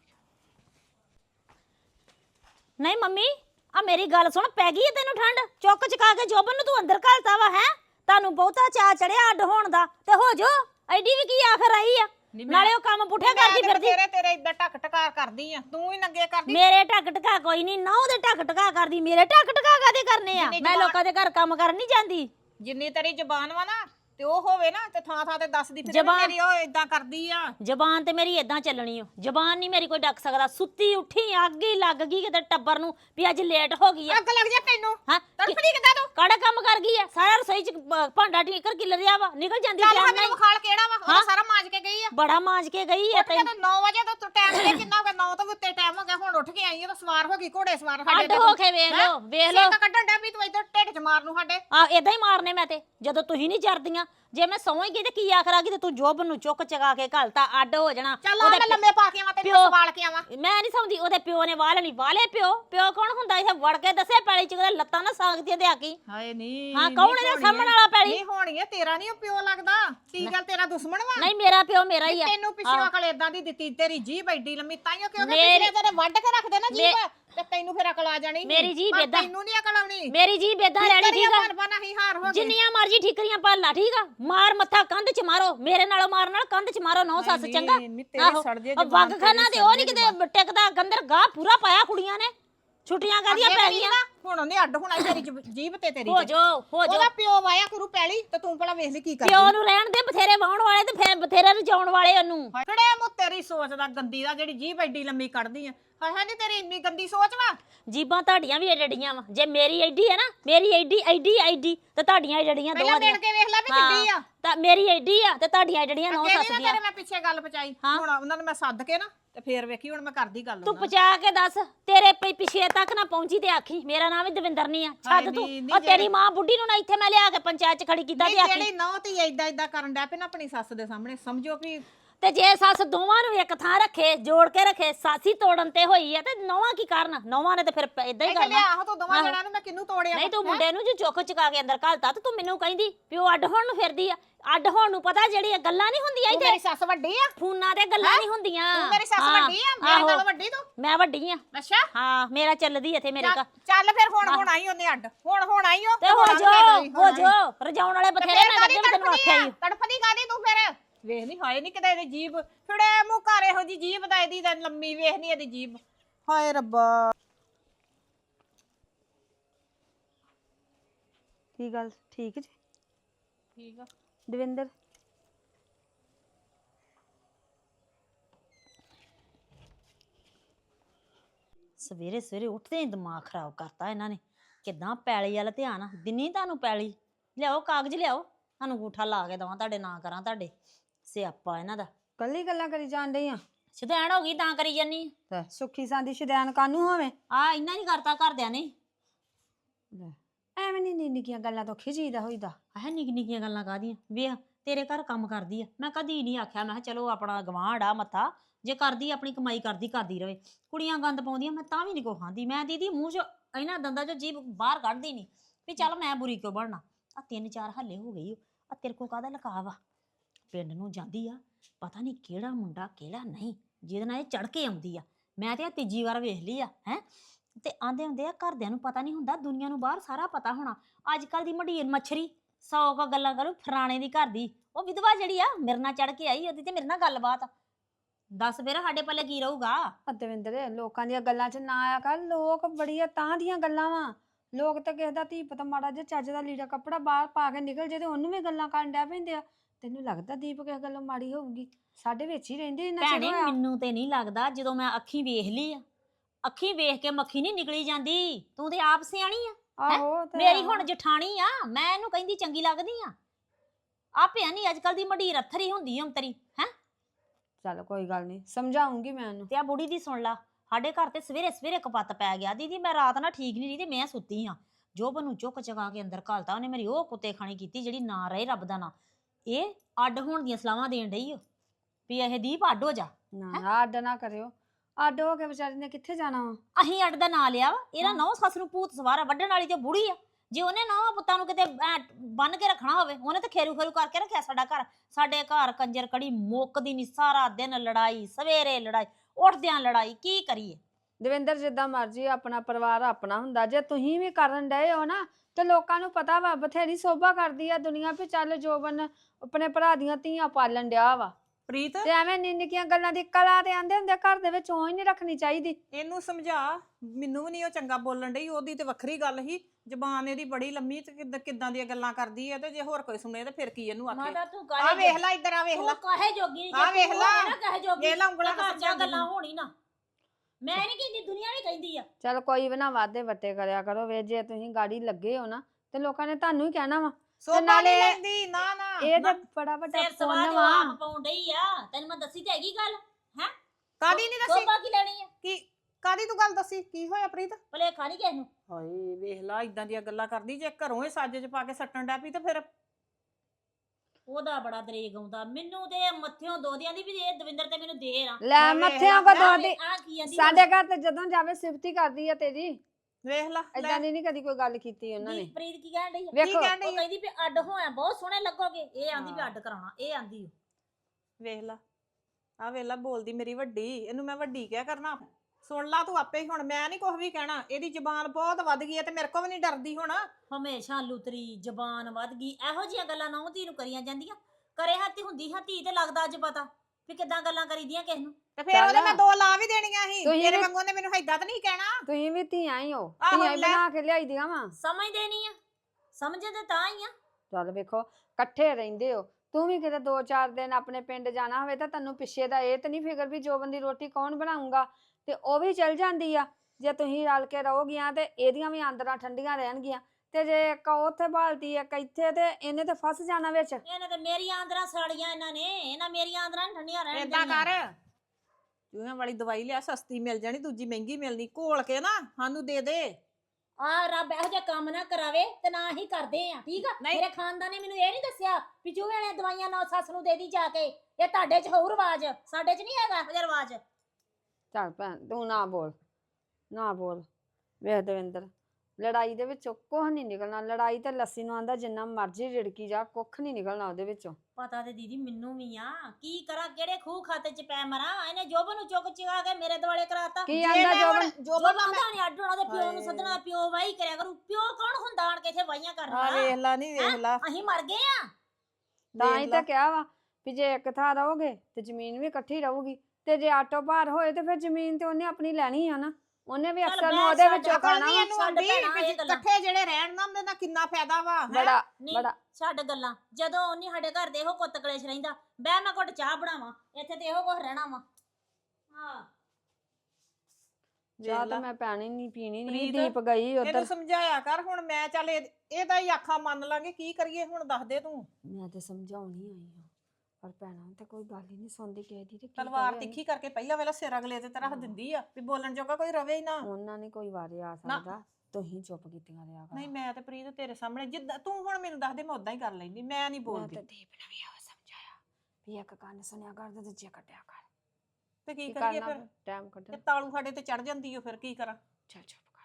Speaker 4: ਨਹੀਂ ਮੰਮੀ, ਆ ਮੇਰੀ ਗੱਲ ਸੁਣ, ਪੈ ਗਈ ਹੈ ਤੈਨੂੰ ਠੰਡ? ਚੁੱਕ ਚਕਾ ਕੇ ਜੋਬਨ ਨੂੰ ਤੂੰ ਅੰਦਰ ਘਲਤਾ ਵਾ ਹੈ? ਤੁਹਾਨੂੰ ਬਹੁਤਾ ਚਾਅ ਚੜਿਆ ਅੱਡ ਹੋਣ ਦਾ, ਤੇ ਹੋ ਜੋ। ਐਡੀ ਵੀ ਕੀ ਆਖਰ ਆਈ ਆ? ਨਾਲੇ ਉਹ ਕੰਮ ਪੁੱਠੇ ਕਰਦੀ ਫਿਰਦੀ।
Speaker 2: ਤੇਰੇ ਤੇਰੇ ਇਦਾਂ ਟਕ ਟਕਾ ਕਰਦੀ ਆ, ਤੂੰ ਹੀ ਨੰਗੇ ਕਰਦੀ।
Speaker 4: ਮੇਰੇ ਟਕ ਟਕਾ ਕੋਈ ਨਹੀਂ, ਨਾ ਉਹਦੇ ਟਕ ਟਕਾ ਕਰਦੀ, ਮੇਰੇ ਟਕ ਟਕਾ ਕਾਦੇ ਕਰਨੇ ਆ? ਮੈਂ ਲੋਕਾਂ ਦੇ ਘਰ ਕੰਮ ਕਰਨ ਨਹੀਂ ਜਾਂਦੀ।
Speaker 2: ਜਿੰਨੀ ਤੇਰੀ ਜ਼ਬਾਨ ਵਾ ਨਾ, ਤੇ ਉਹ ਹੋਵੇ ਨਾ ਤੇ ਥਾਂ ਥਾਂ ਤੇ ਦੱਸਦੀ ਫਿਰ
Speaker 4: ਜ਼ਬਾਨ-
Speaker 2: ਮੇਰੀ ਉਹ ਇਦਾਂ ਕਰਦੀ ਆ।
Speaker 4: ਜ਼ਬਾਨ ਤੇ ਮੇਰੀ ਇਦਾਂ ਚੱਲਣੀ ਓ, ਜ਼ਬਾਨ ਨਹੀਂ ਮੇਰੀ ਕੋਈ ਡੱਕ ਸਕਦਾ। ਸੁੱਤੀ ਉੱਠੀ ਅੱਗ ਹੀ ਲੱਗ ਗਈ ਕਿਤੇ ਟੱਬਰ ਨੂੰ ਵੀ ਅੱਜ ਲੇਟ ਹੋ ਗਈ ਆ।
Speaker 2: ਅੱਗ ਲੱਗ ਜਾ ਤੈਨੂੰ,
Speaker 4: ਹਾਂ
Speaker 2: ਤੜਫਦੀ ਕਿੱਦਾਂ ਤੂੰ?
Speaker 4: ਕਾੜਾ ਕੰਮ ਕਰ ਗਈ ਆ, ਸਾਰਾ ਰਸੋਈ ਚ ਬ- ਭਾਂਡਾ ਠੀਕਰ ਕਿੱਲ ਰਿਹਾ ਵਾ, ਨਿਕਲ ਜਾਂਦੀ
Speaker 2: ਚੱਲ
Speaker 4: ਟਾਈਮ
Speaker 2: ਹਾਂ
Speaker 4: ਨਾਲ
Speaker 2: ਮੈਨੂੰ
Speaker 4: ਹੀ।
Speaker 2: ਖਾਲ ਕਿਹੜਾ ਵਾ, ਉਹ
Speaker 4: ਹਾਂ।
Speaker 2: ਸਾਰਾ ਮਾਂਜ ਕੇ ਗਈ ਆ।
Speaker 4: ਬੜਾ ਮਾਂਜ ਕੇ ਗਈ ਆ ਤੈਨੂੰ।
Speaker 2: ਜਦੋਂ ਨੌ ਵਜੇ ਤੋਂ ਟਾਈਮ ਦੇ ਕਿੰਨਾ ਹੋ ਗਿਆ, ਨੌ ਤੋਂ ਵੀ ਉੱਤੇ ਟਾਈਮ ਹੋ ਗਿਆ, ਹੁਣ ਉੱਠ ਕੇ ਆਈ ਆ ਤਾਂ ਸਵਾਰ ਹੋ ਗਈ, ਘੋੜੇ ਸਵਾਰ ਸਾਡੇ
Speaker 4: ਅੱਡ ਹੋ ਕੇ ਵੇਖ ਲਓ, ਵੇਖ ਲਓ।
Speaker 2: ਤਾਂ ਕੱਢਣ ਡਿਆ ਵੀ ਤੂੰ ਇੱਧਰ ਢਿੱਡ 'ਚ ਮਾਰ ਨੂੰ ਸਾਡੇ।
Speaker 4: ਆ ਇਦਾਂ ਹੀ ਮਾਰਨੇ ਮੈਂ ਤੇ, ਜਦੋਂ ਤੁਸੀਂ ਨਹੀਂ ਜਰਦੀਆਂ। ਜੇ ਮੈਂ ਸੌਂ ਹੀ ਗਈ ਤੇ ਕੀ ਆਖਰ ਆ ਗਈ? ਤੇ ਤੂੰ ਜੋਬ ਨੂੰ ਚੁੱਕ ਚਗਾ ਕੇ ਘਲਤਾ, ਅੱਡ ਹੋ ਜਾਣਾ।
Speaker 2: ਚੱਲ ਆ
Speaker 4: ਉਹਦੇ
Speaker 2: ਮੈਂ ਲੰਮੇ ਪਾ ਕੇ ਆਵਾਂ, ਤੈਨੂੰ
Speaker 4: ਪਿਓ-
Speaker 2: ਸਵਾਲ ਕੇ ਆਵਾਂ।
Speaker 4: ਮੈਂ ਨਹੀਂ ਸੌਂਦੀ, ਉਹਦੇ ਪਿਓ ਨੇ ਵਾਲ ਨਹੀਂ ਵਾਲੇ। ਪਿਓ ਪਿਓ ਕੌਣ ਹੁੰਦਾ? ਇਹ ਵੜ ਕੇ ਦੱਸੇ ਪੈਲੀ ਚ, ਉਹਦੇ ਲੱਤਾਂ ਨਾ ਸਾਂਗਦੀਆਂ ਤੇ ਆਕੀ।
Speaker 2: ਹਾਏ ਨਹੀਂ
Speaker 4: ਹਾਂ, ਕੌਣ ਇਹਦਾ ਸਾਹਮਣ ਵਾਲਾ ਪੈਲੀ?
Speaker 2: ਨਹੀਂ ਹੋਣੀ ਆ, ਤੇਰਾ ਨਹੀਂ ਉਹ ਪਿਓ ਲੱਗਦਾ। ਕੀ ਗੱਲ, ਤੇਰਾ ਦੁਸ਼ਮਣ ਵਾ?
Speaker 4: ਨਹੀਂ, ਮੇਰਾ ਪਿਓ ਮੇਰਾ ਹੀ ਆ।
Speaker 2: ਤੈਨੂੰ ਪਿੱਛੋਂ ਅਕਲ ਏਦਾਂ ਦੀ ਦਿੱਤੀ, ਤੇਰੀ ਜੀਭ ਐਡੀ ਲੰਮੀ, ਤਾਈਓ ਕਿਉਂਕਿ
Speaker 4: ਮੇਰੀ-
Speaker 2: ਪਿਛਲੇ ਤੇਰੇ ਵੱਢ ਕੇ ਰੱਖਦੇ ਨਾ ਜੀਭ, ਤੇ ਤੈਨੂੰ ਫਿਰ ਅਕਲ ਆ ਜਾਣੀ।
Speaker 4: ਮੇਰੀ ਜੀਭ
Speaker 2: ਪਰ
Speaker 4: ਏਦਾਂ-
Speaker 2: ਤੈਨੂੰ ਨਹੀਂ ਅਕਲ ਆਉਣੀ।
Speaker 4: ਮੇਰੀ ਜੀਭ ਏਦਾਂ ਰਹਿਣੀ, ਠੀਕ ਆ?
Speaker 2: ਬਨ ਨਹੀਂ ਹਾਰ ਹੋ ਗਈ।
Speaker 4: ਜਿੰਨੀਆਂ ਮਰਜੀ ਠੀਕਰੀਆਂ ਪਾ ਲਾ, ਠੀਕ ਆ? ਮਾਰ ਮੱਥਾ ਕੰਧ ਚ ਮਾਰੋ, ਮੇਰੇ ਨਾਲੋਂ ਮਾਰਨ ਨਾਲ ਕੰਧ ਚ ਮਾਰੋ। ਨੌ ਸੱਸ
Speaker 2: ਨਹੀਂ,
Speaker 4: ਚੰਗਾ
Speaker 2: ਨਹੀਂ, ਤੇਰੀ
Speaker 4: ਆਹੋ।
Speaker 2: ਸੜ ਜੇ
Speaker 4: ਆ
Speaker 2: ਜ਼ੁਬਾਨ,
Speaker 4: ਵਗ ਖਾਨਾ
Speaker 2: ਤੇਰੀ
Speaker 4: ਤੇ ਉਹ
Speaker 2: ਸੜ
Speaker 4: ਨਹੀਂ
Speaker 2: ਜੇ
Speaker 4: ਕਿਤੇ ਟਿਕਦਾ, ਗੰਦਰ ਗਾਹ ਪੂਰਾ ਪਾਇਆ ਕੁੜੀਆਂ ਨੇ। ਛੁੱਟੀਆਂ ਕਾਦੀਆਂ
Speaker 2: ਅੱਗੇ
Speaker 4: ਪੈ
Speaker 2: ਵੀ
Speaker 4: ਗਈਆਂ?
Speaker 2: ਨਾ, ਹੁਣ ਉਹਨੇ ਅੱਡ ਹੋਣਾ ਤੇਰੀ ਜੀਭ- ਜੀਭ ਤੇ ਤੇਰੀ
Speaker 4: ਹੋ
Speaker 2: ਤੇ।
Speaker 4: ਜੋ ਹੋ ਜੋ।
Speaker 2: ਉਹਦਾ ਪਿਓ ਵਾਇਆ ਕਰੂ ਪੈਲੀ, ਤੇ ਤੂੰ ਭਲਾ ਵੇਖ ਲਈ ਕੀ ਕਰਦੀ।
Speaker 4: ਪਿਓ ਨੂੰ ਰਹਿਣ ਦੇ, ਬਥੇਰੇ ਵਾਉਣ ਵਾਲੇ ਤੇ ਫਿਰ ਬਥੇਰੇ ਰਜਾਉਣ ਵਾਲੇ ਉਹਨੂੰ।
Speaker 2: ਖੜੇ ਮੂੰ ਤੇਰੀ ਸੋਚ ਦਾ ਗੰਦੀ ਦਾ, ਜਿਹੜੀ ਜੀਭ ਐਡੀ ਲੰਮੀ ਕੱਢਦੀ ਆ। ਹਾਏ ਹਾਏ, ਨਹੀਂ ਤੇਰੀ ਇੰਨੀ ਗੰਦੀ ਸੋਚ ਵਾ।
Speaker 4: ਜੀਬਾਂ ਤੁਹਾਡੀਆਂ ਵੀ ਏਡੀਆਂ ਵਾ। ਜੇ ਮੇਰੀ ਐਡੀ ਹੈ ਨਾ, ਮੇਰੀ ਐਡੀ ਐਡੀ ਐਡੀ, ਤੇ ਤੁਹਾਡੀਆਂ ਏਡੀਆਂ
Speaker 2: ਪਹਿਲਾਂ
Speaker 4: ਦੋਵਾਂ ਦੀਆਂ।
Speaker 2: ਮਿਣ ਕੇ ਵੇਖ ਲੈ ਵੀ ਕਿੱਡੀ ਆ।
Speaker 4: ਤਾਂ ਮੇਰੀ ਐਡੀ ਆ ਤੇ ਤੁਹਾਡੀਆਂ ਏਡੀਆਂ ਨੌ
Speaker 2: ਅੱਗੇ
Speaker 4: ਸੱਸ
Speaker 2: ਨੀ ਨਾ
Speaker 4: ਦੀਆਂ।
Speaker 2: ਤੇਰੇ ਮੈਂ ਪਿੱਛੇ ਗੱਲ ਪਚਾਈ, ਹੁਣ ਉਹਨਾਂ ਨੂੰ ਮੈਂ ਸੱਦ ਕੇ ਨਾ ਤੇ ਫੇਰ ਵੇਖੀ ਹੁਣ ਮੈਂ ਕਰਦੀ ਗੱਲ
Speaker 4: ਤੂੰ
Speaker 2: ਉਹਨਾਂ
Speaker 4: ਪਚਾ ਕੇ ਦੱਸ, ਤੇਰੇ ਪਈ ਪਿਛੇ ਤੱਕ ਨਾ ਪਹੁੰਚੀ ਤੇ ਆਖੀ ਮੇਰਾ ਨਾਮ ਵੀ ਦਵਿੰਦਰ ਨਹੀਂ ਆ।
Speaker 2: ਹਾਏ
Speaker 4: ਛੱਡ ਤੂੰ।
Speaker 2: ਨੀ- ਨੀ
Speaker 4: ਉਹ ਤੇਰੀ ਮਾਂ ਬੁੱਢੀ ਨੂੰ ਨਾ ਇੱਥੇ ਮੈਂ ਲਿਆ ਕੇ ਪੰਚਾਇਤ ਚ ਖੜੀ ਕੀਤਾ
Speaker 2: ਨਾਲ।
Speaker 4: ਤੇ
Speaker 2: ਨਹੀਂ,
Speaker 4: ਆਖੀ।
Speaker 2: ਜਿਹੜੀ ਨੌ ਤੀ ਏਦਾਂ ਏਦਾਂ ਕਰਨ ਡਿਆ ਪਈ ਨਾ ਆਪਣੀ ਸੱਸ ਦੇ ਸਾਹਮਣੇ, ਸਮਝੋ ਵੀ
Speaker 4: ਤੇ ਜੇ ਸੱਸ ਦੋਵਾਂ ਨੂੰ ਇੱਕ ਥਾਂ ਰੱਖੇ, ਜੋੜ ਕੇ ਰੱਖੇ, ਸਾਸੀ ਤੋੜਨ ਤੇ ਹੋਈ ਆ, ਤੇ ਨੌਵਾਂ ਕੀ ਕਰਨ? ਨੌਵਾਂ ਨੇ ਤੇ ਫਿਰ ਇਦਾਂ ਹੀ
Speaker 2: ਇਹ ਲਿਆ
Speaker 4: ਕਰਨਾ।
Speaker 2: ਆਹੋ ਤੂੰ ਦੋਵਾਂ
Speaker 4: ਆਹੋ।
Speaker 2: ਜਣਾਂ ਨੂੰ ਮੈਂ ਕਿੰਨੂੰ ਤੋੜਿਆ
Speaker 4: ਨਹੀਂ, ਤੂੰ
Speaker 2: ਵਾ?
Speaker 4: ਮੁੰਡੇ ਨੂੰ ਜੋ ਚੁੱਕ ਚੁਕਾ ਕੇ ਅੰਦਰ ਘਾਲਤਾ, ਤੇ ਤੂੰ ਮੈਨੂੰ ਕਹਿੰਦੀ ਪਿਓ ਅੱਡ ਹੋਣ ਨੂੰ ਫਿਰਦੀ ਆ। ਅੱਡ ਹੋਣ ਨੂੰ ਪਤਾ ਜਿਹੜੀਆਂ ਗੱਲਾਂ ਨਹੀਂ ਹੁੰਦੀਆਂ
Speaker 2: ਤੂੰ
Speaker 4: ਇੱਥੇ
Speaker 2: ਮੇਰੀ ਸੱਸ ਵੱਡੀ ਆ?
Speaker 4: ਫੋਨਾਂ ਤੇ ਗੱਲਾਂ ਨਹੀਂ ਹੁੰਦੀਆਂ।
Speaker 2: ਤੂੰ ਮੇਰੀ ਸੱਸ
Speaker 4: ਹਾਂ,
Speaker 2: ਵੱਡੀ ਆ? ਮੇਰੇ
Speaker 4: ਆਹੋ।
Speaker 2: ਨਾਲੋਂ ਵੱਡੀ ਤੂੰ?
Speaker 4: ਮੈਂ ਵੱਡੀ ਆ।
Speaker 2: ਅੱਛਾ,
Speaker 4: ਹਾਂ, ਮੇਰਾ ਚੱਲਦੀ ਇੱਥੇ ਮੇਰੇ
Speaker 2: ਚੱਲ
Speaker 4: ਕਾ।
Speaker 2: ਚੱਲ ਫਿਰ ਹੁਣ ਹੁਣ ਆਈ ਉਹਨੇ ਅੱਡ, ਹੁਣ ਹੁਣ ਆਈ ਉਹ
Speaker 4: ਤੇ ਹੋ ਜੋ ਹੋ ਜੋ, ਰਜਾਉਣ ਵਾਲੇ ਬਥੇਰੇ, ਮੈਂ ਅੱਗੇ ਵੀ ਤੈਨੂੰ ਆਖਿਆ ਹੀ।
Speaker 2: ਤੜਫਦੀ ਕਾਦੀ ਤੂੰ ਫਿਰ? ਵੇਖ ਨਹੀਂ ਹਾਏ ਨਹੀਂ ਕਿਤੇ ਇਹਦੀ ਜੀਭ ਫੜੇ ਮੂੰਹ ਘਰ ਇਹੋ ਜੀ ਜੀਭ ਦਾ ਇਹਦੀ ਤਾਂ ਲੰਮੀ ਵੇਖ ਨਹੀਂ ਇਹਦੀ ਜੀਭ ਹਾਏ ਰੱਬਾ।
Speaker 5: ਕੀ ਗੱਲ ਠੀਕ ਜੀ
Speaker 2: ਠੀਕ ਆ
Speaker 5: ਦਵਿੰਦਰ?
Speaker 4: ਸਵੇਰੇ ਸਵੇਰੇ ਉੱਠਦੇ ਹੀ ਦਿਮਾਗ ਖਰਾਬ ਕਰਤਾ ਇਹਨਾਂ ਨੇ। ਕਿੱਦਾਂ ਪੈਲੀ ਵਾਲਾ ਧਿਆਨ ਆ, ਦਿਨੀ ਤੁਹਾਨੂੰ ਪੈਲੀ ਲਿਆਓ, ਕਾਗਜ਼ ਲਿਆਓ, ਤੁਹਾਨੂੰ ਅੰਗੂਠਾ ਲਾ ਕੇ ਦਵਾਂ, ਤੁਹਾਡੇ ਨਾਂ ਕਰਾਂ, ਤੁਹਾਡੇ ਸਿਆਪਾ ਇਹਨਾਂ ਦਾ।
Speaker 5: ਕੱਲੀ ਗੱਲਾਂ ਕਰੀ ਜਾਣ ਡਈ ਆ?
Speaker 4: ਸ਼ੁਦੈਣ ਹੋ ਗਈ ਤਾਂ ਕਰੀ ਜਾਨੀ
Speaker 5: ਲੈ ਸੁੱਖੀ ਸਾਂਦੀ ਸ਼ੁਦੈਨ ਕਾਨੂੰ ਹੋਵੇ?
Speaker 4: ਆ ਇਹਨਾਂ ਨਹੀਂ ਕਰਤਾ ਘਰਦਿਆਂ ਨੇ।
Speaker 5: ਲੈ ਐਵੇਂ ਨਹੀਂ ਨਿੱਕੀਆਂ ਗੱਲਾਂ ਤੋਂ ਖਿਜੀਦਾ ਹੋਈਦਾ।
Speaker 4: ਆਹ ਨਿੱਕੀ ਨਿੱਕੀਆਂ ਗੱਲਾਂ ਕਾਹਦੀਆਂ, ਵੇਖ ਤੇਰੇ ਘਰ ਕੰਮ ਕਰਦੀ ਆ, ਮੈਂ ਕਦੀ ਨਹੀਂ ਆਖਿਆ, ਮੈਂ ਕਿਹਾ ਚਲੋ ਆਪਣਾ ਗਵਾਂਢ ਆ ਮੱਥਾ, ਜੇ ਕਰਦੀ ਆਪਣੀ ਕਮਾਈ ਕਰਦੀ ਕਰਦੀ ਰਵੇ। ਕੁੜੀਆਂ ਗੰਦ ਪਾਉਂਦੀਆਂ ਮੈਂ ਤਾਂ ਵੀ ਨਹੀਂ ਕੋ ਖਾਂਦੀ, ਮੈਂ ਦੀਦੀ ਮੂੰਹ ਚ ਇਹਨਾਂ ਦੰਦਾਂ ਚੋਂ ਜੀਭ ਬਾਹਰ ਕੱਢਦੀ ਨਹੀਂ ਵੀ ਚੱਲ ਮੈਂ ਬੁਰੀ ਕਿਉਂ ਬਣਨਾ। ਆ ਤਿੰਨ ਚਾਰ ਹੱਲੇ ਹੋ ਗਈ ਆ, ਤੇਰੇ ਕੋ ਕਾਹਦਾ ਲਕਾਵ ਆ? ਪਿੰਡ ਨੂੰ ਜਾਂਦੀ ਆ, ਪਤਾ ਨਹੀਂ ਕਿਹੜਾ ਮੁੰਡਾ ਕਿਹੜਾ ਨਹੀਂ ਜਿਹਦੇ ਨਾਲ ਇਹ ਚੜ ਕੇ ਆਉਂਦੀ ਆ। ਮੈਂ ਤੇ ਆ ਤੀਜੀ ਵਾਰ ਵੇਖ ਲਈ ਆ ਹੈ। ਤੇ ਆਂਦੇ ਹੁੰਦੇ ਆ ਘਰਦਿਆਂ ਨੂੰ ਪਤਾ ਨਹੀਂ ਹੁੰਦਾ, ਦੁਨੀਆ ਨੂੰ ਬਾਹਰ ਸਾਰਾ ਪਤਾ ਹੋਣਾ। ਅੱਜ ਕੱਲ ਦੀ ਮਡੀਰ ਮੱਛਰੀ ਸੌ ਕੋ ਗੱਲਾਂ ਕਰੂ, ਫਰਾਣੇ ਦੀ ਘਰ ਦੀ ਉਹ ਵਿਧਵਾ ਜਿਹੜੀ ਆ ਮੇਰੇ ਨਾਲ ਚੜ ਕੇ ਆਈ, ਉਹਦੀ ਤੇ ਮੇਰੇ ਨਾਲ ਗੱਲਬਾਤ। ਦੱਸ ਫਿਰ ਸਾਡੇ ਪੱਲੇ ਕੀ ਰਹੂਗਾ?
Speaker 5: ਦਵਿੰਦਰ ਲੋਕਾਂ ਦੀਆਂ ਗੱਲਾਂ 'ਚ ਨਾ ਆਇਆ ਕਰ, ਲੋਕ ਬੜੀਆਂ ਤਾਂ ਦੀਆਂ ਗੱਲਾਂ ਵਾ। ਲੋਕ ਤਾਂ ਕਿਸੇ ਦਾ ਧੀ ਪੁੱਤ ਮਾੜਾ ਜਿਹਾ ਚੱਜ ਦਾ ਲੀੜਾ ਕੱਪੜਾ ਬਾਹਰ ਪਾ ਕੇ ਨਿਕਲ ਜੇ ਤੇ ਉਹਨੂੰ ਵੀ ਗੱਲਾਂ ਕਰਨ ਡੈ ਪੈਂਦੇ ਆ। ਤੈਨੂੰ ਲੱਗਦਾ ਦੀਪ ਕਿਸੇ ਗੱਲੋਂ ਮਾੜੀ ਹੋਊਗੀ? ਸਾਡੇ ਵਿੱਚ ਹੀ ਰਹਿੰਦੀ ਇੰਨਾ ਚਿਰ
Speaker 4: ਭੈਣੇ
Speaker 5: ਹੋਇਆ।
Speaker 4: ਮੈਨੂੰ ਤੇ ਨਹੀਂ ਲੱਗਦਾ, ਜਦੋਂ ਮੈਂ ਅੱਖੀਂ ਵੇਖ ਲਈ ਆ, ਅੱਖੀਂ ਵੇਖ ਕੇ ਮੱਖੀ ਨਹੀਂ ਨਿਕਲੀ ਜਾਂਦੀ। ਤੂੰ ਤੇ ਆਪ ਸਿਆਣੀ ਆ,
Speaker 5: ਆਹੋ ਤੇ
Speaker 4: ਮੇਰੀ ਹੁਣ ਜਠਾਣੀ ਆ, ਮੈਂ ਇਹਨੂੰ ਕਹਿੰਦੀ ਚੰਗੀ ਲੱਗਦੀ ਆ? ਆਪਿਆ ਨਹੀਂ ਅੱਜ ਕੱਲ ਦੀ ਮਡੀਰ ਅੱਥਰੀ ਹੁੰਦੀ ਆ ਅੰਤਰੀ ਹੈ।
Speaker 5: ਚੱਲ ਕੋਈ ਗੱਲ ਨਹੀਂ, ਸਮਝਾਉਂਗੀ ਮੈਂ ਉਹਨੂੰ।
Speaker 4: ਤੇ ਆ ਬੁੜੀ ਦੀ ਸੁਣ ਲਾ, ਸਾਡੇ ਘਰ ਤੇ ਸਵੇਰੇ ਸਵੇਰੇ ਕਪੱਤ ਪੈ ਗਿਆ। ਦੀਦੀ ਮੈਂ ਰਾਤ ਨਾਲ ਠੀਕ ਨਹੀਂ ਰਹੀ ਤੇ ਮੈਂ ਸੁੱਤੀ ਆ, ਜੋਬਨ ਨੂੰ ਚੁੱਕ ਚਗਾ ਕੇ ਅੰਦਰ ਘਾਲਤਾ ਉਹਨੇ। ਮੇਰੀ ਉਹ ਕੁੱਤੇ ਖਾਣੀ ਕੀਤੀ ਜਿਹੜੀ ਨਾ ਰਹੇ ਰੱਬ ਦਾ ਨਾਂ। ਇਹ ਅੱਡ ਹੋਣ ਦੀਆਂ ਸਲਾਹਾਂ ਦੇਣ ਡਈ ਓ ਵੀ ਇਹ ਦੀਪ ਅੱਡ ਹੋ ਜਾ।
Speaker 5: ਨਾ ਅੱਡ ਨਾ ਕਰਿਓ, ਅੱਡ ਹੋ ਕੇ ਵਿਚਾਰੀ ਨੇ ਕਿੱਥੇ ਜਾਣਾ ਵਾ?
Speaker 4: ਅਸੀਂ ਅੱਡ ਦਾ ਨਾਂ ਲਿਆ ਵਾ, ਇਹਦਾ ਨੌ ਸੱਸ ਨੂੰ ਭੂਤ ਸਵਾਰ ਆ, ਵੱਢਣ ਵਾਲੀ ਤੇ ਬੁੜੀ ਆ। ਜੇ ਉਹਨੇ ਨੌ ਪੁੱਤਾਂ ਨੂੰ ਕਿਤੇ ਬੰਨ ਕੇ ਰੱਖਣਾ ਹੋਵੇ, ਉਹਨੇ ਤਾਂ ਖੇਰੂ ਖੇਰੂ ਕਰਕੇ ਰੱਖਿਆ ਸਾਡਾ ਘਰ। ਸਾਡੇ ਘਰ ਕੰਜਰ ਕੜੀ ਮੁੱਕਦੀ ਨਹੀਂ, ਸਾਰਾ ਦਿਨ ਲੜਾਈ, ਸਵੇਰੇ ਲੜਾਈ, ਉੱਠਦਿਆਂ ਲੜਾਈ, ਕੀ ਕਰੀਏ?
Speaker 5: ਦਵਿੰਦਰ ਜਿੱਦਾਂ ਮਰਜ਼ੀ, ਆਪਣਾ ਪਰਿਵਾਰ ਆਪਣਾ ਹੁੰਦਾ। ਜੇ ਤੁਸੀਂ ਵੀ ਕਰਨ ਡਏ ਹੋ ਨਾ ਤੇ ਲੋਕਾਂ ਨੂੰ ਪਤਾ ਵਾ, ਬਥੇਰੀ ਸੋਭਾ ਕਰਦੀ ਆ ਦੁਨੀਆ ਵੀ ਚੱਲ ਜੋਬਨ ਆਪਣੇ ਭਰਾ ਦੀਆਂ ਧੀਆਂ ਪਾਲਣ ਡਿਆ ਵਾ।
Speaker 2: ਪ੍ਰੀਤ
Speaker 5: ਤੇ ਐਵੇਂ ਨਿੱਕੀਆਂ ਗੱਲਾਂ ਦੀ ਕਲਾ ਤੇ ਆਂਦੇ ਹੁੰਦੇ ਘਰ ਦੇ ਵਿੱਚ ਉਹ ਹੀ ਨਹੀਂ ਰੱਖਣੀ ਚਾਹੀਦੀ।
Speaker 2: ਇਹਨੂੰ ਸਮਝਾ, ਮੈਨੂੰ ਵੀ ਨਹੀਂ ਉਹ ਚੰਗਾ ਬੋਲਣ ਡਈ, ਉਹਦੀ ਤੇ ਵੱਖਰੀ ਗੱਲ ਹੀ, ਜ਼ਬਾਨ ਇਹਦੀ ਬੜੀ ਲੰਮੀ ਤੇ ਕਿੱਦਾਂ ਕਿੱਦਾਂ ਦੀਆਂ ਗੱਲਾਂ ਕਰਦੀ ਹੈ। ਤੇ ਜੇ ਹੋਰ ਕੋਈ ਸੁਣੇ ਤੇ ਫਿਰ ਕੀ ਇਹਨੂੰ ਆਖੇ?
Speaker 4: ਮਾਤਾ ਤੂੰ
Speaker 2: ਆ
Speaker 4: ਕਾਹੇ
Speaker 2: ਵੇਖ ਲੈ ਇੱਧਰ, ਆ ਵੇਖ ਲੈ,
Speaker 4: ਤੂੰ ਕਾਹੇ ਜੋਗੀ ਨਹੀਂ,
Speaker 2: ਆਹ ਵੇਖ ਲਾ,
Speaker 4: ਕਾਹੇ ਜੋਗੀ
Speaker 2: ਵੇਖ ਲਾ ਉਂਗਲਾਂ
Speaker 4: ਘਰ
Speaker 2: ਕੱਸ ਜਾਂਦੀ
Speaker 4: ਗੱਲਾਂ ਹੋਣੀ ਨਾ। ਮੈਂ ਨਹੀਂ ਕਹਿੰਦੀ, ਦੁਨੀਆ ਵੀ ਕਹਿੰਦੀ ਆ।
Speaker 5: ਚੱਲ ਕੋਈ ਵੀ ਨਾ ਵਾਦੇ ਵੱਟੇ ਕਰਿਆ ਕਰੋ ਵੇ। ਜੇ ਤੁਸੀਂ ਗਾੜੀ ਲੱਗੇ ਹੋ ਨਾ ਤੇ ਲੋਕਾਂ ਨੇ ਤੁਹਾਨੂੰ ਹੀ ਕਹਿਣਾ ਵਾ।
Speaker 2: ਸੋਭਾ
Speaker 5: ਨਾਲੇ
Speaker 2: ਨਹੀਂ ਲੈਂਦੀ, ਨਾ ਨਾ
Speaker 5: ਇਹ ਤਾਂ ਬੜਾ ਵੱਡਾ
Speaker 4: ਸਿਰ ਸਵਾਹ
Speaker 5: ਪੁੰਨ
Speaker 4: ਤੇ
Speaker 5: ਵਾ।
Speaker 4: ਆਪ ਪਾਉਣ ਡਈ ਆ, ਤੈਨੂੰ ਮੈਂ ਦੱਸੀ ਤੇ ਹੈਗੀ ਗੱਲ ਹੈ।
Speaker 2: ਕਾਦੀ ਨਹੀਂ ਦੱਸੀ?
Speaker 4: ਸੋਭਾ ਕੀ ਲੈਣੀ ਆ?
Speaker 2: ਕੀ ਕਾਦੀ ਤੂੰ ਗੱਲ ਦੱਸੀ? ਕੀ ਹੋਇਆ ਪ੍ਰੀਤ?
Speaker 4: ਭਲੇਖਾ ਨਹੀਂ ਕਿਸ ਨੂੰ।
Speaker 2: ਹਾਏ ਵੇਖ ਲਾ ਇਦਾਂ ਦੀਆਂ ਗੱਲਾਂ ਕਰਦੀ, ਜੇ ਘਰੋਂ ਇਹ ਸਾਜੇ ਚ ਪਾ ਕੇ ਸੱਟਣ ਡੈ ਪਈ ਤੇ ਫਿਰ
Speaker 4: ਉਹਦਾ ਬੜਾ ਦਰੇਗ ਆਉਂਦਾ ਮੈਨੂੰ ਤੇ ਮੱਥਿਓਂ ਦੋਦਿਆਂ ਦੀ ਵੀ ਇਹ ਦਵਿੰਦਰ ਤੇ ਮੈਨੂੰ ਦੇਰ ਆ।
Speaker 5: ਲੈ
Speaker 2: ਆ ਵੇਖ
Speaker 5: ਮੱਥਿਆਂ
Speaker 2: ਲਾ,
Speaker 5: ਕੋ ਦੋਦੀ
Speaker 4: ਆ ਕੀ ਜਾਂਦੀ
Speaker 5: ਸਾਡੇ ਘਰ ਤੇ ਜਦੋਂ ਜਾਵੇ ਸਿਫਤੀ ਕਰਦੀ ਆ ਤੇਰੀ।
Speaker 2: ਵੇਖ ਲਾ ਲੈ।
Speaker 5: ਏਦਾਂ ਦੀ ਨਹੀਂ ਕਦੀ ਕੋਈ ਗੱਲ ਕੀਤੀ ਉਹਨਾਂ ਨੇ।
Speaker 4: ਪ੍ਰੀਤ ਕੀ ਕਹਿਣ ਡਈ ਆ?
Speaker 5: ਵੇਖੋ
Speaker 2: ਕਹਿਣ ਡਈ
Speaker 4: ਉਹ ਕਹਿੰਦੀ ਵੀ ਅੱਡ ਹੋਇਆ ਬਹੁਤ ਸੋਹਣੇ ਲੱਗੋਗੇ, ਇਹ ਆਂਦੀ ਵੀ ਅੱਡ ਕਰਾਉਣਾ, ਇਹ ਆਂਦੀ ਓ।
Speaker 2: ਵੇਖ ਲਾ, ਆ ਵੇਖ ਲਾ ਬੋਲਦੀ ਮੇਰੀ ਵੱਡੀ, ਇਹਨੂੰ ਮੈਂ ਵੱਡੀ ਕਿਆ ਕਰਨਾ? ਸੁਣ ਲਾ ਤੂੰ ਆਪੇ ਹੀ, ਹੁਣ ਮੈਂ ਨਹੀਂ ਕੁਝ ਵੀ ਕਹਿਣਾ। ਇਹਦੀ ਜ਼ੁਬਾਨ ਬਹੁਤ ਵੱਧ ਗਈ ਹੈ ਤੇ ਮੇਰੇ ਕੋਲ ਵੀ ਨਹੀਂ ਡਰਦੀ ਹੁਣ।
Speaker 4: ਹਮੇਸ਼ਾ ਲੁਤਰੀ ਜ਼ਬਾਨ ਵੱਧ ਗਈ, ਇਹੋ ਜਿਹੀਆਂ ਗੱਲਾਂ ਨਾ ਧੀ ਨੂੰ ਕਰੀਆਂ ਜਾਂਦੀਆਂ। ਕਰੇ ਹੱਥੀ ਹੁੰਦੀ ਹਾਂ ਧੀ ਤੇ ਲੱਗਦਾ ਅੱਜ ਪਤਾ ਵੀ ਕਿੱਦਾਂ ਗੱਲਾਂ ਕਰੀਦੀਆਂ ਕਿਸ ਨੂੰ।
Speaker 2: ਤੇ ਫਿਰ ਉਹਦੇ ਮੈਂ ਦੋ ਲਾ ਵੀ ਦੇਣੀਆਂ ਸੀ,
Speaker 5: ਤੁਸੀਂ
Speaker 2: ਤੇਰੇ
Speaker 5: ਵੀ-
Speaker 2: ਵਾਂਗੂ ਨੇ ਮੈਨੂੰ ਏਦਾਂ ਤਾਂ ਨਹੀਂ ਕਹਿਣਾ।
Speaker 5: ਤੁਸੀਂ ਵੀ ਧੀਆਂ ਹੀ ਹੋ,
Speaker 2: ਆਹੋ,
Speaker 5: ਧੀਆਂ ਹੀ
Speaker 2: ਲੈ।
Speaker 5: ਬਣਾ ਕੇ ਲਿਆਈ ਦੀਆਂ ਵਾ।
Speaker 4: ਸਮਝਦੇ ਨਹੀਂ ਆ, ਸਮਝਦੇ ਤਾਂ ਹੀ ਆ।
Speaker 5: ਚੱਲ ਵੇਖੋ ਇਕੱਠੇ ਰਹਿੰਦੇ ਹੋ। ਤੂੰ ਵੀ ਕਿਤੇ ਦੋ ਚਾਰ ਦਿਨ ਆਪਣੇ ਪਿੰਡ ਜਾਣਾ ਹੋਵੇ ਤਾਂ ਤੈਨੂੰ ਪਿੱਛੇ ਦਾ ਇਹ ਤਾਂ ਨਹੀਂ ਫਿਕਰ ਵੀ ਜੋਬਨ ਦੀ ਰੋਟੀ ਕੌਣ ਬਣਾਊਗਾ, ਤੇ ਉਹ ਵੀ ਚਲ ਜਾਂਦੀ ਆ। ਜੇ ਤੁਸੀਂ ਰਲ ਕੇ ਰਹੋਗੀਆਂ ਤੇ ਇਹਦੀਆਂ ਵੀ ਆਂਦਰਾਂ ਠੰਡੀਆਂ ਰਹਿਣਗੀਆਂ। ਤੇ ਜੇ ਇੱਕ ਉੱਥੇ ਭਾਲਤੀ ਇੱਕ ਇੱਥੇ ਤੇ ਇਹਨੇ ਤੇ ਫਸ ਜਾਣਾ ਵਿੱਚ।
Speaker 4: ਇਹਨੇ ਤੇ ਮੇਰੀਆਂ ਆਂਦਰਾਂ ਸਾੜੀਆਂ ਇਹਨਾਂ ਨੇ, ਇਹਨਾਂ ਮੇਰੀਆਂ ਆਂਦਰਾਂ ਨੀ ਠੰਡੀਆਂ ਰਹਿਣ
Speaker 2: ਏਦਾਂ
Speaker 4: ਦੇਣੀਆਂ।
Speaker 2: ਕਰ, ਚੂਹਿਆਂ ਵਾਲੀ ਦਵਾਈ ਲਿਆ, ਸਸਤੀ ਮਿਲ ਜਾਣੀ, ਦੂਜੀ ਮਹਿੰਗੀ ਮਿਲਣੀ। ਘੋਲ ਕੇ ਨਾ ਸਾਨੂੰ ਦੇ ਦੇ।
Speaker 4: ਆ ਰੱਬ ਇਹੋ ਜਿਹਾ ਕੰਮ ਨਾ ਕਰਾਵੇ ਤੇ ਨਾ ਹੀ ਕਰਦੇ ਆ, ਠੀਕ ਆ?
Speaker 2: ਨਹੀਂ।
Speaker 4: ਮੇਰੇ ਖਾਨਦਾਨ ਨੇ ਮੈਨੂੰ ਇਹ ਨਹੀਂ ਦੱਸਿਆ ਵੀ ਚੂਹੇ ਵਾਲੀਆਂ ਦਵਾਈਆਂ ਨਾ ਸੱਸ ਨੂੰ ਦੇ ਦੀ ਜਾ ਕੇ। ਇਹ ਤੁਹਾਡੇ 'ਚ ਹੋਊ ਰਿਵਾਜ, ਸਾਡੇ 'ਚ ਨਹੀਂ ਹੈਗਾ ਇਹੋ ਜਿਹਾ ਰਿਵਾਜ।
Speaker 5: ਚੱਲ ਭੈਣ ਤੂੰ ਨਾ ਬੋਲ, ਨਾ ਬੋਲ। ਵੇਖ ਦਵਿੰਦਰ, ਲੜਾਈ ਦੇ ਵਿੱਚੋਂ ਕੁਝ ਨਹੀਂ ਨਿਕਲਣਾ। ਲੜਾਈ ਤੇ ਲੱਸੀ ਨੂੰ ਆਂਦਾ ਜਿੰਨਾ ਮਰਜ਼ੀ ਰਿੜਕੀ ਜਾ, ਕੁੱਖ ਨਹੀਂ ਨਿਕਲਣਾ ਉਹਦੇ ਵਿੱਚੋਂ।
Speaker 4: ਪਤਾ ਤੇ ਦੀਦੀ ਮੈਨੂੰ ਵੀ ਆ, ਕੀ ਕਰਾਂ, ਕਿਹੜੇ ਖੂਹ ਖਾਤੇ 'ਚ ਪੈ ਮਰਾਂ। ਇਹਨੇ ਜੋਬਨ ਨੂੰ ਚੁੱਕ ਚਗਾ ਕੇ ਮੇਰੇ ਦੁਆਲੇ ਕਰਾਤਾ।
Speaker 5: ਕੀ
Speaker 2: ਜੇ
Speaker 5: ਆਂਦਾ
Speaker 2: ਮੈਂ ਹੁਣ
Speaker 5: ਜੋਬਨ?
Speaker 2: ਜੋਬਨ
Speaker 4: ਜੋਬਨ
Speaker 2: ਨਾਲ
Speaker 4: ਆਂਦਾ ਨਹੀਂ ਅੱਡ ਹੋਣਾ ਤੇ ਪਿਓ ਨੂੰ
Speaker 2: ਹਾਏ।
Speaker 4: ਸੱਦਣਾ, ਪਿਓ ਵਾਹੀ ਕਰਿਆ ਕਰੂ। ਪਿਓ ਕੌਣ ਹੁੰਦਾ ਆਣ ਕੇ ਇੱਥੇ ਵਾਹੀਆਂ
Speaker 2: ਆ
Speaker 4: ਕਰਨਾ?
Speaker 2: ਵੇਖ ਲਾ, ਨਹੀਂ ਵੇਖ ਲਾ,
Speaker 4: ਅਸੀਂ ਮਰ ਗਏ ਆ।
Speaker 5: ਤਾਂ
Speaker 2: ਵੇਖ
Speaker 5: ਹੀ
Speaker 2: ਲਾ।
Speaker 5: ਤਾਂ ਕਿਹਾ ਵਾ ਵੀ ਜੇ ਇੱਕ ਥਾਂ ਰਹੋਗੇ ਤੇ ਜ਼ਮੀਨ ਵੀ ਇਕੱਠੀ ਰਹੂਗੀ, ਤੇ ਜੇ ਆਟੋ ਭਾਰ ਹੋਏ ਤੇ ਫਿਰ ਜ਼ਮੀਨ ਤੇ ਉਹਨੇ ਆਪਣੀ ਲੈਣੀ ਆ ਨਾ, ਉਹਨੇ ਵੀ
Speaker 4: ਚੱਲ
Speaker 5: ਅਕਸਰ ਨੂੰ
Speaker 4: ਬਹਿ
Speaker 5: ਉਹਦੇ
Speaker 4: ਛੱਡ,
Speaker 5: ਵਿੱਚੋਂ
Speaker 4: ਅਕਲ
Speaker 5: ਖਾਣਾ
Speaker 2: ਨਹੀਂ
Speaker 5: ਵਾ।
Speaker 2: ਇਹਨੂੰ
Speaker 4: ਛੱਡ
Speaker 2: ਆਂਦੀ
Speaker 4: ਭੈਣਾ
Speaker 2: ਵੀ
Speaker 4: ਇਹ ਗੱਲਾਂ।
Speaker 2: ਇਕੱਠੇ ਜਿਹੜੇ ਰਹਿਣ ਨਾ ਉਹਦੇ ਨਾਲ ਕਿੰਨਾ ਫਾਇਦਾ ਵਾ ਹੈਂ?
Speaker 5: ਬੜਾ
Speaker 4: ਨਹੀਂ
Speaker 5: ਬੜਾ
Speaker 4: ਛੱਡ ਗੱਲਾਂ, ਜਦੋਂ ਉਹਨੇ ਸਾਡੇ ਘਰ ਦੇ ਇਹੋ ਕੁੱਤ ਕਲੇਸ਼ ਰਹਿੰਦਾ, ਬਹਿ ਮੈਂ ਘੁੱਟ ਚਾਹ ਬਣਾਵਾਂ, ਇੱਥੇ ਤੇ ਇਹੋ ਕੁਝ ਰਹਿਣਾ ਵਾ। ਹਾਂ
Speaker 5: ਚਾਹ
Speaker 2: ਵੇਖ ਲਾ।
Speaker 5: ਤਾਂ ਮੈਂ ਪੈਣੀ ਨਹੀਂ ਪੀਣੀ ਨਹੀਂ,
Speaker 2: ਪ੍ਰੀਤ,
Speaker 5: ਦੀਪ ਗਈ
Speaker 2: ਇਹਨੂੰ
Speaker 5: ਉਧਰ।
Speaker 2: ਸਮਝਾਇਆ ਕਰ ਹੁਣ। ਮੈਂ ਚੱਲ ਇਹ- ਇਹਦਾ ਹੀ ਆਖਾ ਮੰਨ ਲਾਂਗੇ, ਕੀ ਕਰੀਏ ਹੁਣ ਦੱਸ ਦੇ ਤੂੰ।
Speaker 5: ਮੈਂ ਤੇ ਸਮਝਾਉਣੀ ਆਈ ਹਾਂ, ਪਰ ਭੈਣਾਂ ਤੇ ਕੋਈ ਗੱਲ ਹੀ ਨਹੀਂ ਸੁਣਦੀ ਕਿਸੇ ਦੀ, ਤੇ ਕੀ
Speaker 2: ਤਲਵਾਰ
Speaker 5: ਕਰੇ?
Speaker 2: ਤਿੱਖੀ ਕਰਕੇ ਪਹਿਲਾਂ ਵੇਲਾ ਸਿਰ ਅਗਲੇ ਤੇ ਤਰ੍ਹਾਂ ਦਿੰਦੀ ਆ ਵੀ ਬੋਲਣ ਜੋਗਾ ਕੋਈ ਰਵੇ ਹੀ ਨਾ।
Speaker 5: ਉਹਨਾਂ ਨੇ ਕੋਈ ਵਾਰੇ ਆ
Speaker 2: ਨਾ।
Speaker 5: ਸਕਦਾ, ਤੁਸੀਂ ਚੁੱਪ ਕੀਤੀਆਂ ਰਿਹਾ ਕਰੋ।
Speaker 2: ਨਹੀਂ ਮੈਂ ਤੇ ਪ੍ਰੀਤ ਤੇਰੇ ਸਾਹਮਣੇ ਜਿੱਦਾਂ ਤੂੰ ਹੁਣ ਮੈਨੂੰ ਦੱਸ ਦੇ ਮੈਂ ਉਦਾਂ ਹੀ ਕਰ ਲੈਂਦੀ, ਮੈਂ ਨਹੀਂ
Speaker 5: ਮੈਂ
Speaker 2: ਬੋਲਦੀ।
Speaker 5: ਤੇ ਦੀਪ ਨੇ ਵੀ ਆਹ ਸਮਝਾਇਆ ਵੀ ਇੱਕ ਕੰਨ ਸੁਣਿਆ ਕਰ ਤੇ ਦੂਜੇ ਕੱਟਿਆ ਕਰ।
Speaker 2: ਤੇ ਕੀ
Speaker 5: ਕੀ
Speaker 2: ਕਰੀਏ
Speaker 5: ਕਰਨਾ
Speaker 2: ਫਿਰ?
Speaker 5: ਟਾਈਮ
Speaker 2: ਇਹ
Speaker 5: ਕੱਢਣ।
Speaker 2: ਤਾਲੂ ਸਾਡੇ ਤੇ ਚੜ ਜਾਂਦੀ ਓ, ਫਿਰ ਕੀ ਕਰਾਂ?
Speaker 5: ਚੱਲ ਚੁੱਪ ਕਰ।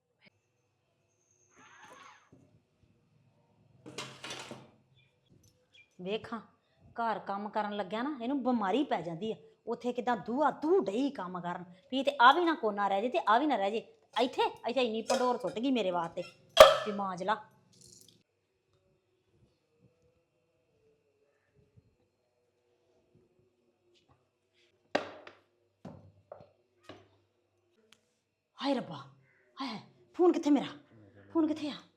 Speaker 4: ਵੇਖਾਂ, ਘਰ ਕੰਮ ਕਰਨ ਲੱਗਿਆ ਨਾ ਇਹਨੂੰ ਬਿਮਾਰੀ ਪੈ ਜਾਂਦੀ ਆ। ਉੱਥੇ ਕਿਦਾਂ ਦੂਆ ਦੂ ਡਈ ਕੰਮ ਕਰਨ ਵੀ ਤੇ ਆ ਵੀ ਨਾ ਕੋਨਾ ਰਹਿ ਜੇ ਤੇ ਆ ਵੀ ਨਾ ਰਹਿ ਜੇ। ਇੱਥੇ ਇੱਥੇ ਇੰਨੀ ਪੰਡੋਰ ਸੁੱਟ ਗਈ ਮੇਰੇ ਵਾਸਤੇ ਵੀ ਮਾਂਜ ਲਾ। ਹਾਏ ਰੱਬਾ, ਹਾਏ ਹਾਏ, ਫੋਨ ਕਿੱਥੇ ਮੇਰਾ? ਫੋਨ ਕਿੱਥੇ ਆ?